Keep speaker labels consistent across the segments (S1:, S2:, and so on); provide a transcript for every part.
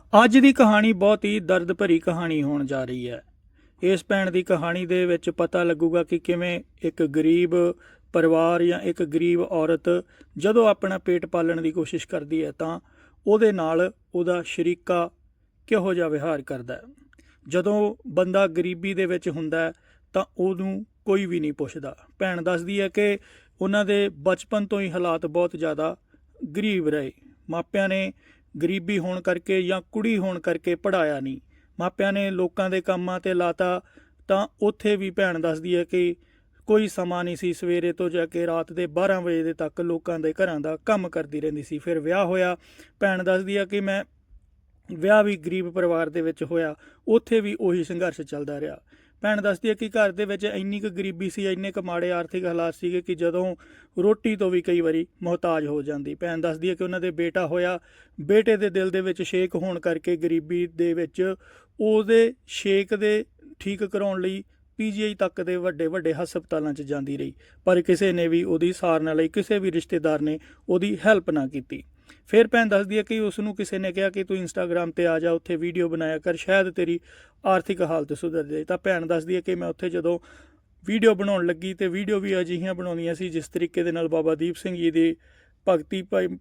S1: ਅੱਜ ਦੀ ਕਹਾਣੀ ਬਹੁਤ ਹੀ ਦਰਦ ਭਰੀ ਕਹਾਣੀ ਹੋਣ ਜਾ ਰਹੀ ਹੈ। ਇਸ ਭੈਣ ਦੀ ਕਹਾਣੀ ਦੇ ਵਿੱਚ ਪਤਾ ਲੱਗੂਗਾ ਕਿ ਕਿਵੇਂ ਇੱਕ ਗਰੀਬ ਪਰਿਵਾਰ ਜਾਂ ਇੱਕ ਗਰੀਬ ਔਰਤ ਜਦੋਂ ਆਪਣਾ ਪੇਟ ਪਾਲਣ ਦੀ ਕੋਸ਼ਿਸ਼ ਕਰਦੀ ਹੈ ਤਾਂ ਉਹਦੇ ਨਾਲ ਉਹਦਾ ਸ਼ਰੀਕਾ ਕਿਹੋ ਜਿਹਾ ਵਿਹਾਰ ਕਰਦਾ ਹੈ। ਜਦੋਂ ਬੰਦਾ ਗਰੀਬੀ ਦੇ ਵਿੱਚ ਹੁੰਦਾ ਤਾਂ ਉਹਨੂੰ ਕੋਈ ਵੀ ਨਹੀਂ ਪੁੱਛਦਾ। ਭੈਣ ਦੱਸਦੀ ਹੈ ਕਿ ਉਹਨਾਂ ਦੇ ਬਚਪਨ ਤੋਂ ਹੀ ਹਾਲਾਤ ਬਹੁਤ ਜ਼ਿਆਦਾ ਗਰੀਬ ਰਹੇ। ਮਾਪਿਆਂ ਨੇ ਗਰੀਬੀ ਹੋਣ ਕਰਕੇ ਜਾਂ ਕੁੜੀ ਹੋਣ ਕਰਕੇ ਪੜ੍ਹਾਇਆ ਨਹੀਂ। ਮਾਪਿਆਂ ਨੇ ਲੋਕਾਂ ਦੇ ਕੰਮਾਂ 'ਤੇ ਲਾਤਾ ਤਾਂ ਉੱਥੇ ਵੀ ਭੈਣ ਦੱਸਦੀ ਹੈ ਕਿ ਕੋਈ ਸਮਾਂ ਨਹੀਂ ਸੀ। ਸਵੇਰੇ ਤੋਂ ਜਾ ਕੇ ਰਾਤ ਦੇ 12 ਵਜੇ ਦੇ ਤੱਕ ਲੋਕਾਂ ਦੇ ਘਰਾਂ ਦਾ ਕੰਮ ਕਰਦੀ ਰਹਿੰਦੀ ਸੀ। ਫਿਰ ਵਿਆਹ ਹੋਇਆ। ਭੈਣ ਦੱਸਦੀ ਹੈ ਕਿ ਮੈਂ ਵਿਆਹ ਵੀ ਗਰੀਬ ਪਰਿਵਾਰ ਦੇ ਵਿੱਚ ਹੋਇਆ, ਉੱਥੇ ਵੀ ਉਹੀ ਸੰਘਰਸ਼ ਚੱਲਦਾ ਰਿਹਾ। ਭੈਣ ਦੱਸਦੀ ਹੈ ਕਿ ਘਰ ਦੇ ਵਿੱਚ ਇੰਨੀ ਕੁ ਗਰੀਬੀ ਸੀ, ਇੰਨੇ ਕੁ ਮਾੜੇ ਆਰਥਿਕ ਹਾਲਾਤ ਸੀਗੇ ਕਿ ਜਦੋਂ ਰੋਟੀ ਤੋਂ ਵੀ ਕਈ ਵਾਰੀ ਮੁਹਤਾਜ ਹੋ ਜਾਂਦੀ। ਭੈਣ ਦੱਸਦੀ ਹੈ ਕਿ ਉਹਨਾਂ ਦੇ ਬੇਟਾ ਹੋਇਆ, ਬੇਟੇ ਦੇ ਦਿਲ ਦੇ ਵਿੱਚ ਛੇਕ ਹੋਣ ਕਰਕੇ ਗਰੀਬੀ ਦੇ ਵਿੱਚ ਉਹਦੇ ਛੇਕ ਦੇ ਠੀਕ ਕਰਾਉਣ ਲਈ PGI ਤੱਕ ਦੇ ਵੱਡੇ ਵੱਡੇ ਹਸਪਤਾਲਾਂ 'ਚ ਜਾਂਦੀ ਰਹੀ, ਪਰ ਕਿਸੇ ਨੇ ਵੀ ਉਹਦੀ ਸਾਰ ਨਾ ਲਈ, ਕਿਸੇ ਵੀ ਰਿਸ਼ਤੇਦਾਰ ਨੇ ਉਹਦੀ ਹੈਲਪ ਨਾ ਕੀਤੀ। ਫਿਰ ਭੈਣ ਦੱਸਦੀ ਹੈ ਕਿ ਉਸ ਨੂੰ ਕਿਸੇ ਨੇ ਕਿਹਾ ਕਿ ਤੂੰ ਇੰਸਟਾਗ੍ਰਾਮ 'ਤੇ ਆ ਜਾ, ਉੱਥੇ ਵੀਡੀਓ ਬਣਾਇਆ ਕਰ, ਸ਼ਾਇਦ ਤੇਰੀ ਆਰਥਿਕ ਹਾਲਤ ਸੁਧਰ ਜਾਏ। ਤਾਂ ਭੈਣ ਦੱਸਦੀ ਹੈ ਕਿ ਮੈਂ ਉੱਥੇ ਜਦੋਂ ਵੀਡੀਓ ਬਣਾਉਣ ਲੱਗੀ ਤੇ ਵੀਡੀਓ ਵੀ ਅਜਿਹੀਆਂ ਬਣਾਉਂਦੀਆਂ ਸੀ ਜਿਸ ਤਰੀਕੇ ਦੇ ਨਾਲ ਬਾਬਾ ਦੀਪ ਸਿੰਘ ਜੀ ਦੀ ਭਗਤੀ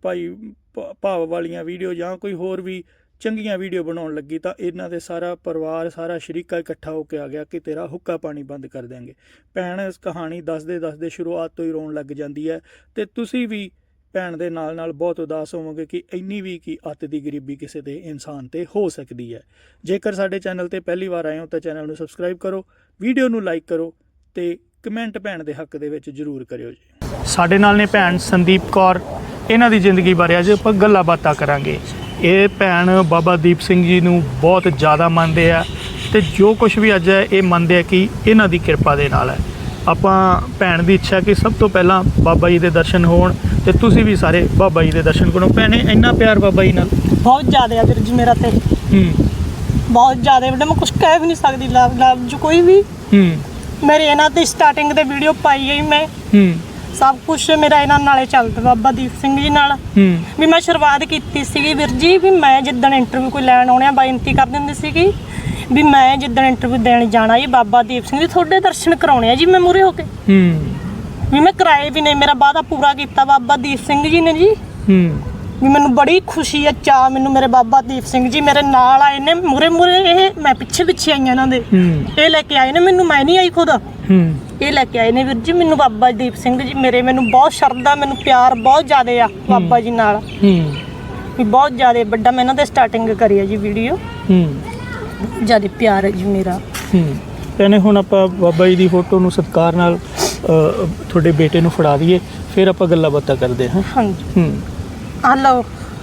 S1: ਭਾਵ ਵਾਲੀਆਂ ਵੀਡੀਓ ਜਾਂ ਕੋਈ ਹੋਰ ਵੀ ਚੰਗੀਆਂ ਵੀਡੀਓ ਬਣਾਉਣ ਲੱਗੀ ਤਾਂ ਇਹਨਾਂ ਦੇ ਸਾਰਾ ਪਰਿਵਾਰ, ਸਾਰਾ ਸ਼ਰੀਕਾ ਇਕੱਠਾ ਹੋ ਕੇ ਆ ਗਿਆ ਕਿ ਤੇਰਾ ਹੁੱਕਾ ਪਾਣੀ ਬੰਦ ਕਰ ਦਿਆਂਗੇ। ਭੈਣ ਇਸ ਕਹਾਣੀ ਦੱਸਦੇ ਸ਼ੁਰੂਆਤ ਤੋਂ ਹੀ ਰੋਣ ਲੱਗ ਜਾਂਦੀ ਹੈ ਤੇ ਤੁਸੀਂ ਵੀ ਭੈਣ ਦੇ ਨਾਲ ਬਹੁਤ ਉਦਾਸ ਹੋਵੋਗੇ ਕਿ ਇੰਨੀ ਵੀ ਕੀ ਅੱਤ ਦੀ ਗਰੀਬੀ ਕਿਸੇ ਦੇ ਇਨਸਾਨ ਤੇ ਹੋ ਸਕਦੀ ਹੈ। ਜੇਕਰ ਸਾਡੇ ਚੈਨਲ ਤੇ ਪਹਿਲੀ ਵਾਰ ਆਏ ਹੋ ਤਾਂ ਚੈਨਲ ਨੂੰ ਸਬਸਕ੍ਰਾਈਬ ਕਰੋ, ਵੀਡੀਓ ਨੂੰ ਲਾਈਕ ਕਰੋ ਤੇ ਕਮੈਂਟ ਭੈਣ ਦੇ ਹੱਕ ਦੇ ਵਿੱਚ ਜ਼ਰੂਰ ਕਰਿਓ ਜੀ। ਸਾਡੇ ਨਾਲ ਨੇ ਭੈਣ ਸੰਦੀਪ ਕੌਰ, ਇਹਨਾਂ ਦੀ ਜ਼ਿੰਦਗੀ ਬਾਰੇ ਅੱਜ ਆਪਾਂ ਗੱਲਾਂ ਬਾਤਾਂ ਕਰਾਂਗੇ। ਇਹ ਭੈਣ ਬਾਬਾ ਦੀਪ ਸਿੰਘ ਜੀ ਨੂੰ ਬਹੁਤ ਜ਼ਿਆਦਾ ਮੰਨਦੇ ਆ ਤੇ ਜੋ ਕੁਝ ਵੀ ਅੱਜ ਹੈ ਇਹ ਮੰਨਦੇ ਆ ਕਿ ਇਹਨਾਂ ਦੀ ਕਿਰਪਾ ਦੇ ਨਾਲ ਹੈ। ਆਪਾਂ ਭੈਣ ਦੀ ਇੱਛਾ ਕਿ ਸਭ ਤੋਂ ਪਹਿਲਾਂ ਬਾਬਾ ਜੀ ਦੇ ਦਰਸ਼ਨ ਹੋਣ ਤੇ ਤੁਸੀਂ ਵੀ ਸਾਰੇ ਬਾਬਾ ਜੀ ਦੇ ਦਰਸ਼ਨ ਕਰੋ। ਭੈਣੇ ਇੰਨਾ ਪਿਆਰ ਬਾਬਾ ਜੀ ਨਾਲ
S2: ਬਹੁਤ ਜ਼ਿਆਦਾ ਆ ਵੀਰ ਜੀ ਮੇਰਾ ਤੇ ਬਹੁਤ ਜ਼ਿਆਦਾ ਵੱਡਾ, ਮੈਂ ਕੁਝ ਕਹਿ ਵੀ ਨਹੀਂ ਸਕਦੀ। ਲਫ਼ਜ਼ ਕੋਈ ਵੀ ਮੇਰੇ ਇਹਨਾਂ ਤੇ ਸਟਾਰਟਿੰਗ ਤੇ ਵੀਡੀਓ ਪਾਈ ਗਈ, ਮੈਂ ਸਭ ਕੁਝ ਮੇਰਾ ਇਹਨਾਂ ਨਾਲੇ ਚੱਲਦਾ ਬਾਬਾ ਦੀਪ ਸਿੰਘ ਜੀ ਨਾਲ। ਵੀ ਮੈਂ ਸ਼ੁਰੂਆਤ ਕੀਤੀ ਸੀਗੀ ਵੀਰ ਜੀ, ਵੀ ਮੈਂ ਜਿੱਦਣ ਇੰਟਰਵਿਊ ਕੋਈ ਲੈਣ ਆਉਣਿਆ ਬੇਨਤੀ ਕਰ ਦਿੰਦੀ ਸੀਗੀ ਵੀ ਮੈਂ ਜਿੱਦਣ ਇੰਟਰਵਿਊ ਦੇਣ ਜਾਣਾ ਜੀ ਬਾਬਾ ਦੀਪ ਸਿੰਘ ਜੀ ਤੁਹਾਡੇ ਦਰਸ਼ਨ ਕਰਾਉਣੇ ਆ ਜੀ, ਮੈਂ ਮੂਹਰੇ ਹੋ ਕੇ ਵੀ ਮੈਂ ਕਰਾਏ ਵੀ ਨੇ, ਮੇਰਾ ਵਾਅਦਾ ਪੂਰਾ ਕੀਤਾ ਬਾਬਾ ਦੀਪ ਸਿੰਘ ਜੀ ਨੇ ਜੀ। ਵੀ ਮੈਨੂੰ ਬੜੀ ਖੁਸ਼ੀ ਹੈ, ਚਾਅ ਮੈਨੂੰ ਮੇਰੇ ਬਾਬਾ ਦੀਪ ਸਿੰਘ ਜੀ ਮੇਰੇ ਨਾਲ ਆਏ ਨੇ ਮੂਹਰੇ, ਇਹ ਮੈਂ ਪਿੱਛੇ ਆਈਆਂ ਇਹਨਾਂ ਦੇ, ਇਹ ਲੈ ਕੇ ਆਏ ਨੇ ਮੈਨੂੰ, ਮੈਂ ਨਹੀਂ ਆਈ ਖੁਦ, ਇਹ ਲੈ ਕੇ ਆਏ ਨੇ ਵੀਰ ਜੀ ਮੈਨੂੰ ਬਾਬਾ ਦੀਪ ਸਿੰਘ ਜੀ ਮੇਰੇ। ਮੈਨੂੰ ਬਹੁਤ ਸ਼ਰਧਾ, ਮੈਨੂੰ ਪਿਆਰ ਬਹੁਤ ਜ਼ਿਆਦਾ ਆ ਬਾਬਾ ਜੀ ਨਾਲ, ਵੀ ਬਹੁਤ ਜ਼ਿਆਦਾ ਵੱਡਾ। ਮੈਂ ਇਹਨਾਂ ਦੇ ਸਟਾਰਟਿੰਗ ਕਰੀ ਆ ਜੀ ਵੀਡੀਓ, ਜ਼ਿਆਦਾ ਪਿਆਰ ਹੈ ਜੀ ਮੇਰਾ।
S1: ਭੈਣੇ ਹੁਣ ਆਪਾਂ ਬਾਬਾ ਜੀ ਦੀ ਫੋਟੋ ਨੂੰ ਸਤਿਕਾਰ ਨਾਲ ਤੁਹਾਡੇ ਬੇਟੇ ਨੂੰ ਫੜਾ ਦਈਏ, ਫਿਰ ਆਪਾਂ ਗੱਲਾਂ ਬਾਤਾਂ ਕਰਦੇ ਹਾਂ।
S2: ਹਾਂਜੀ ਹਲੋ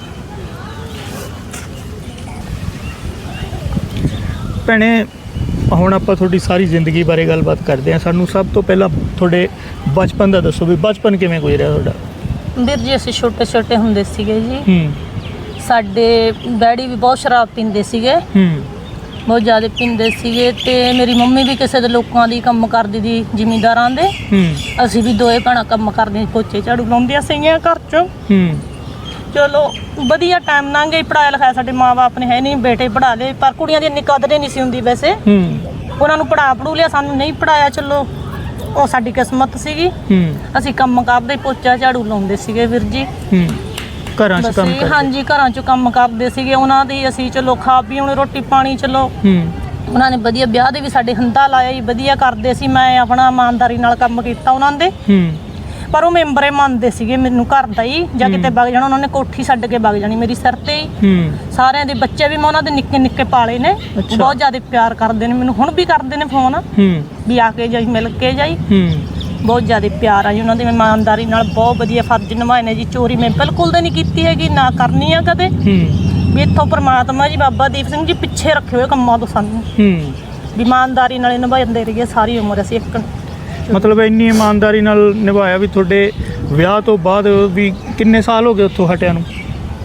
S1: ਭੈਣੇ ਹੁਣ ਆਪਾਂ ਤੁਹਾਡੀ ਸਾਰੀ ਜ਼ਿੰਦਗੀ ਬਾਰੇ ਗੱਲਬਾਤ ਕਰਦੇ ਹਾਂ। ਸਾਨੂੰ ਸਭ ਤੋਂ ਪਹਿਲਾਂ ਤੁਹਾਡੇ ਬਚਪਨ ਦਾ ਦੱਸੋ ਵੀ ਬਚਪਨ ਕਿਵੇਂ ਗੁਜ਼ਰਿਆ ਤੁਹਾਡਾ?
S2: ਵੀਰ ਜੀ ਅਸੀਂ ਛੋਟੇ ਹੁੰਦੇ ਸੀਗੇ ਜੀ, ਸਾਡੇ ਡੈਡੀ ਵੀ ਬਹੁਤ ਸ਼ਰਾਬ ਪੀਂਦੇ ਸੀਗੇ, ਬਹੁਤ ਜ਼ਿਆਦਾ ਪੀਂਦੇ ਸੀਗੇ ਤੇ ਮੇਰੀ ਮੰਮੀ ਵੀ ਕਿਸੇ ਦੇ ਲੋਕਾਂ ਦੀ ਕੰਮ ਕਰਦੀ ਦੀ, ਜ਼ਿਮੀਂਦਾਰਾਂ ਦੇ। ਅਸੀਂ ਵੀ ਦੋਏ ਭੈਣਾਂ ਕੰਮ ਕਰਦੀਆਂ, ਪੋਚੇ ਝਾੜੂ ਲਾਉਂਦੀਆਂ ਸੀਗੀਆਂ ਘਰ 'ਚ। ਚਲੋ ਵਧੀਆ ਟਾਈਮ ਲੰਘ ਗਿਆ। ਪੜ੍ਹਾਇਆ ਲਿਖਾਇਆ ਸਾਡੇ ਮਾਂ ਬਾਪ ਨੇ ਹੈ ਨਹੀਂ, ਬੇਟੇ ਪੜ੍ਹਾ ਲਏ, ਪਰ ਕੁੜੀਆਂ ਦੀ ਇੰਨੀ ਕਦਰ ਨਹੀਂ ਸੀ ਹੁੰਦੀ ਵੈਸੇ। ਉਹਨਾਂ ਨੂੰ ਪੜ੍ਹੂ ਲਿਆ, ਸਾਨੂੰ ਨਹੀਂ ਪੜ੍ਹਾਇਆ। ਚਲੋ ਉਹ ਸਾਡੀ ਕਿਸਮਤ ਸੀਗੀ। ਅਸੀਂ ਕੰਮ ਕਰਦੇ, ਪੋਚਾ ਝਾੜੂ ਲਾਉਂਦੇ ਸੀਗੇ ਵੀਰ ਜੀ,
S1: ਘਰਾਂ 'ਚ ਕੰਮ ਕਰਦੇ।
S2: ਹਾਂਜੀ ਘਰਾਂ 'ਚ ਕੰਮ ਕਰਦੇ ਸੀਗੇ ਉਹਨਾਂ ਦੀ। ਅਸੀਂ ਚਲੋ ਖਾ ਪੀ ਹੁਣ ਰੋਟੀ ਪਾਣੀ, ਚਲੋ ਉਹਨਾਂ ਨੇ ਵਧੀਆ ਵਿਆਹ ਦੇ ਵੀ ਸਾਡੇ ਹੰਦਾ ਲਾਇਆ ਜੀ, ਵਧੀਆ ਕਰਦੇ ਸੀ। ਮੈਂ ਆਪਣਾ ਇਮਾਨਦਾਰੀ ਨਾਲ ਕੰਮ ਕੀਤਾ ਉਹਨਾਂ ਦੇ, ਪਰ ਉਹ ਮੈਂਬਰੇ ਮੰਨਦੇ ਸੀਗੇ ਮੈਨੂੰ ਘਰ ਦਾ ਹੀ, ਜਾਂ ਕਿਤੇ ਵਗ ਜਾਣਾ ਉਹਨਾਂ ਨੇ ਕੋਠੀ ਛੱਡ ਕੇ ਵਗ ਜਾਣੀ ਮੇਰੀ ਸਿਰ ਤੇ ਹੀ। ਸਾਰਿਆਂ ਦੇ ਬੱਚੇ ਵੀ ਮੈਂ ਉਹਨਾਂ ਦੇ ਨਿੱਕੇ ਪਾਲੇ ਨੇ, ਬਹੁਤ ਜ਼ਿਆਦਾ ਪਿਆਰ ਕਰਦੇ ਨੇ ਮੈਨੂੰ, ਹੁਣ ਵੀ ਕਰਦੇ ਨੇ ਫੋਨ ਵੀ ਆ ਕੇ ਜਾਈ, ਮਿਲ ਕੇ ਜਾਈ। ਬਹੁਤ ਜ਼ਿਆਦਾ ਪਿਆਰ ਆ ਜੀ ਉਹਨਾਂ ਦੇ, ਮੈਂ ਇਮਾਨਦਾਰੀ ਨਾਲ ਬਹੁਤ ਵਧੀਆ ਫਰਜ਼ ਨਿਭਾਏ ਨੇ ਜੀ। ਚੋਰੀ ਮੈਂ ਬਿਲਕੁਲ ਤਾਂ ਨਹੀਂ ਕੀਤੀ ਹੈਗੀ, ਨਾ ਕਰਨੀ ਆ ਕਦੇ ਵੀ। ਇੱਥੋਂ ਪਰਮਾਤਮਾ ਜੀ ਬਾਬਾ ਦੀਪ ਸਿੰਘ ਜੀ ਪਿੱਛੇ ਰੱਖੇ ਹੋਏ ਕੰਮਾਂ ਤੋਂ ਸਾਨੂੰ, ਵੀ ਇਮਾਨਦਾਰੀ ਨਾਲ ਨਿਭਾਉਂਦੇ ਰਹੀਏ ਸਾਰੀ ਉਮਰ। ਅਸੀਂ ਇੱਕ
S1: ਮਤਲਬ ਇੰਨੀ ਇਮਾਨਦਾਰੀ ਨਾਲ ਨਿਭਾਇਆ ਵੀ ਤੁਹਾਡੇ ਵਿਆਹ ਤੋਂ ਬਾਅਦ ਵੀ ਕਿੰਨੇ ਸਾਲ ਹੋ ਗਏ ਉੱਥੋਂ ਹਟਿਆ ਨੂੰ?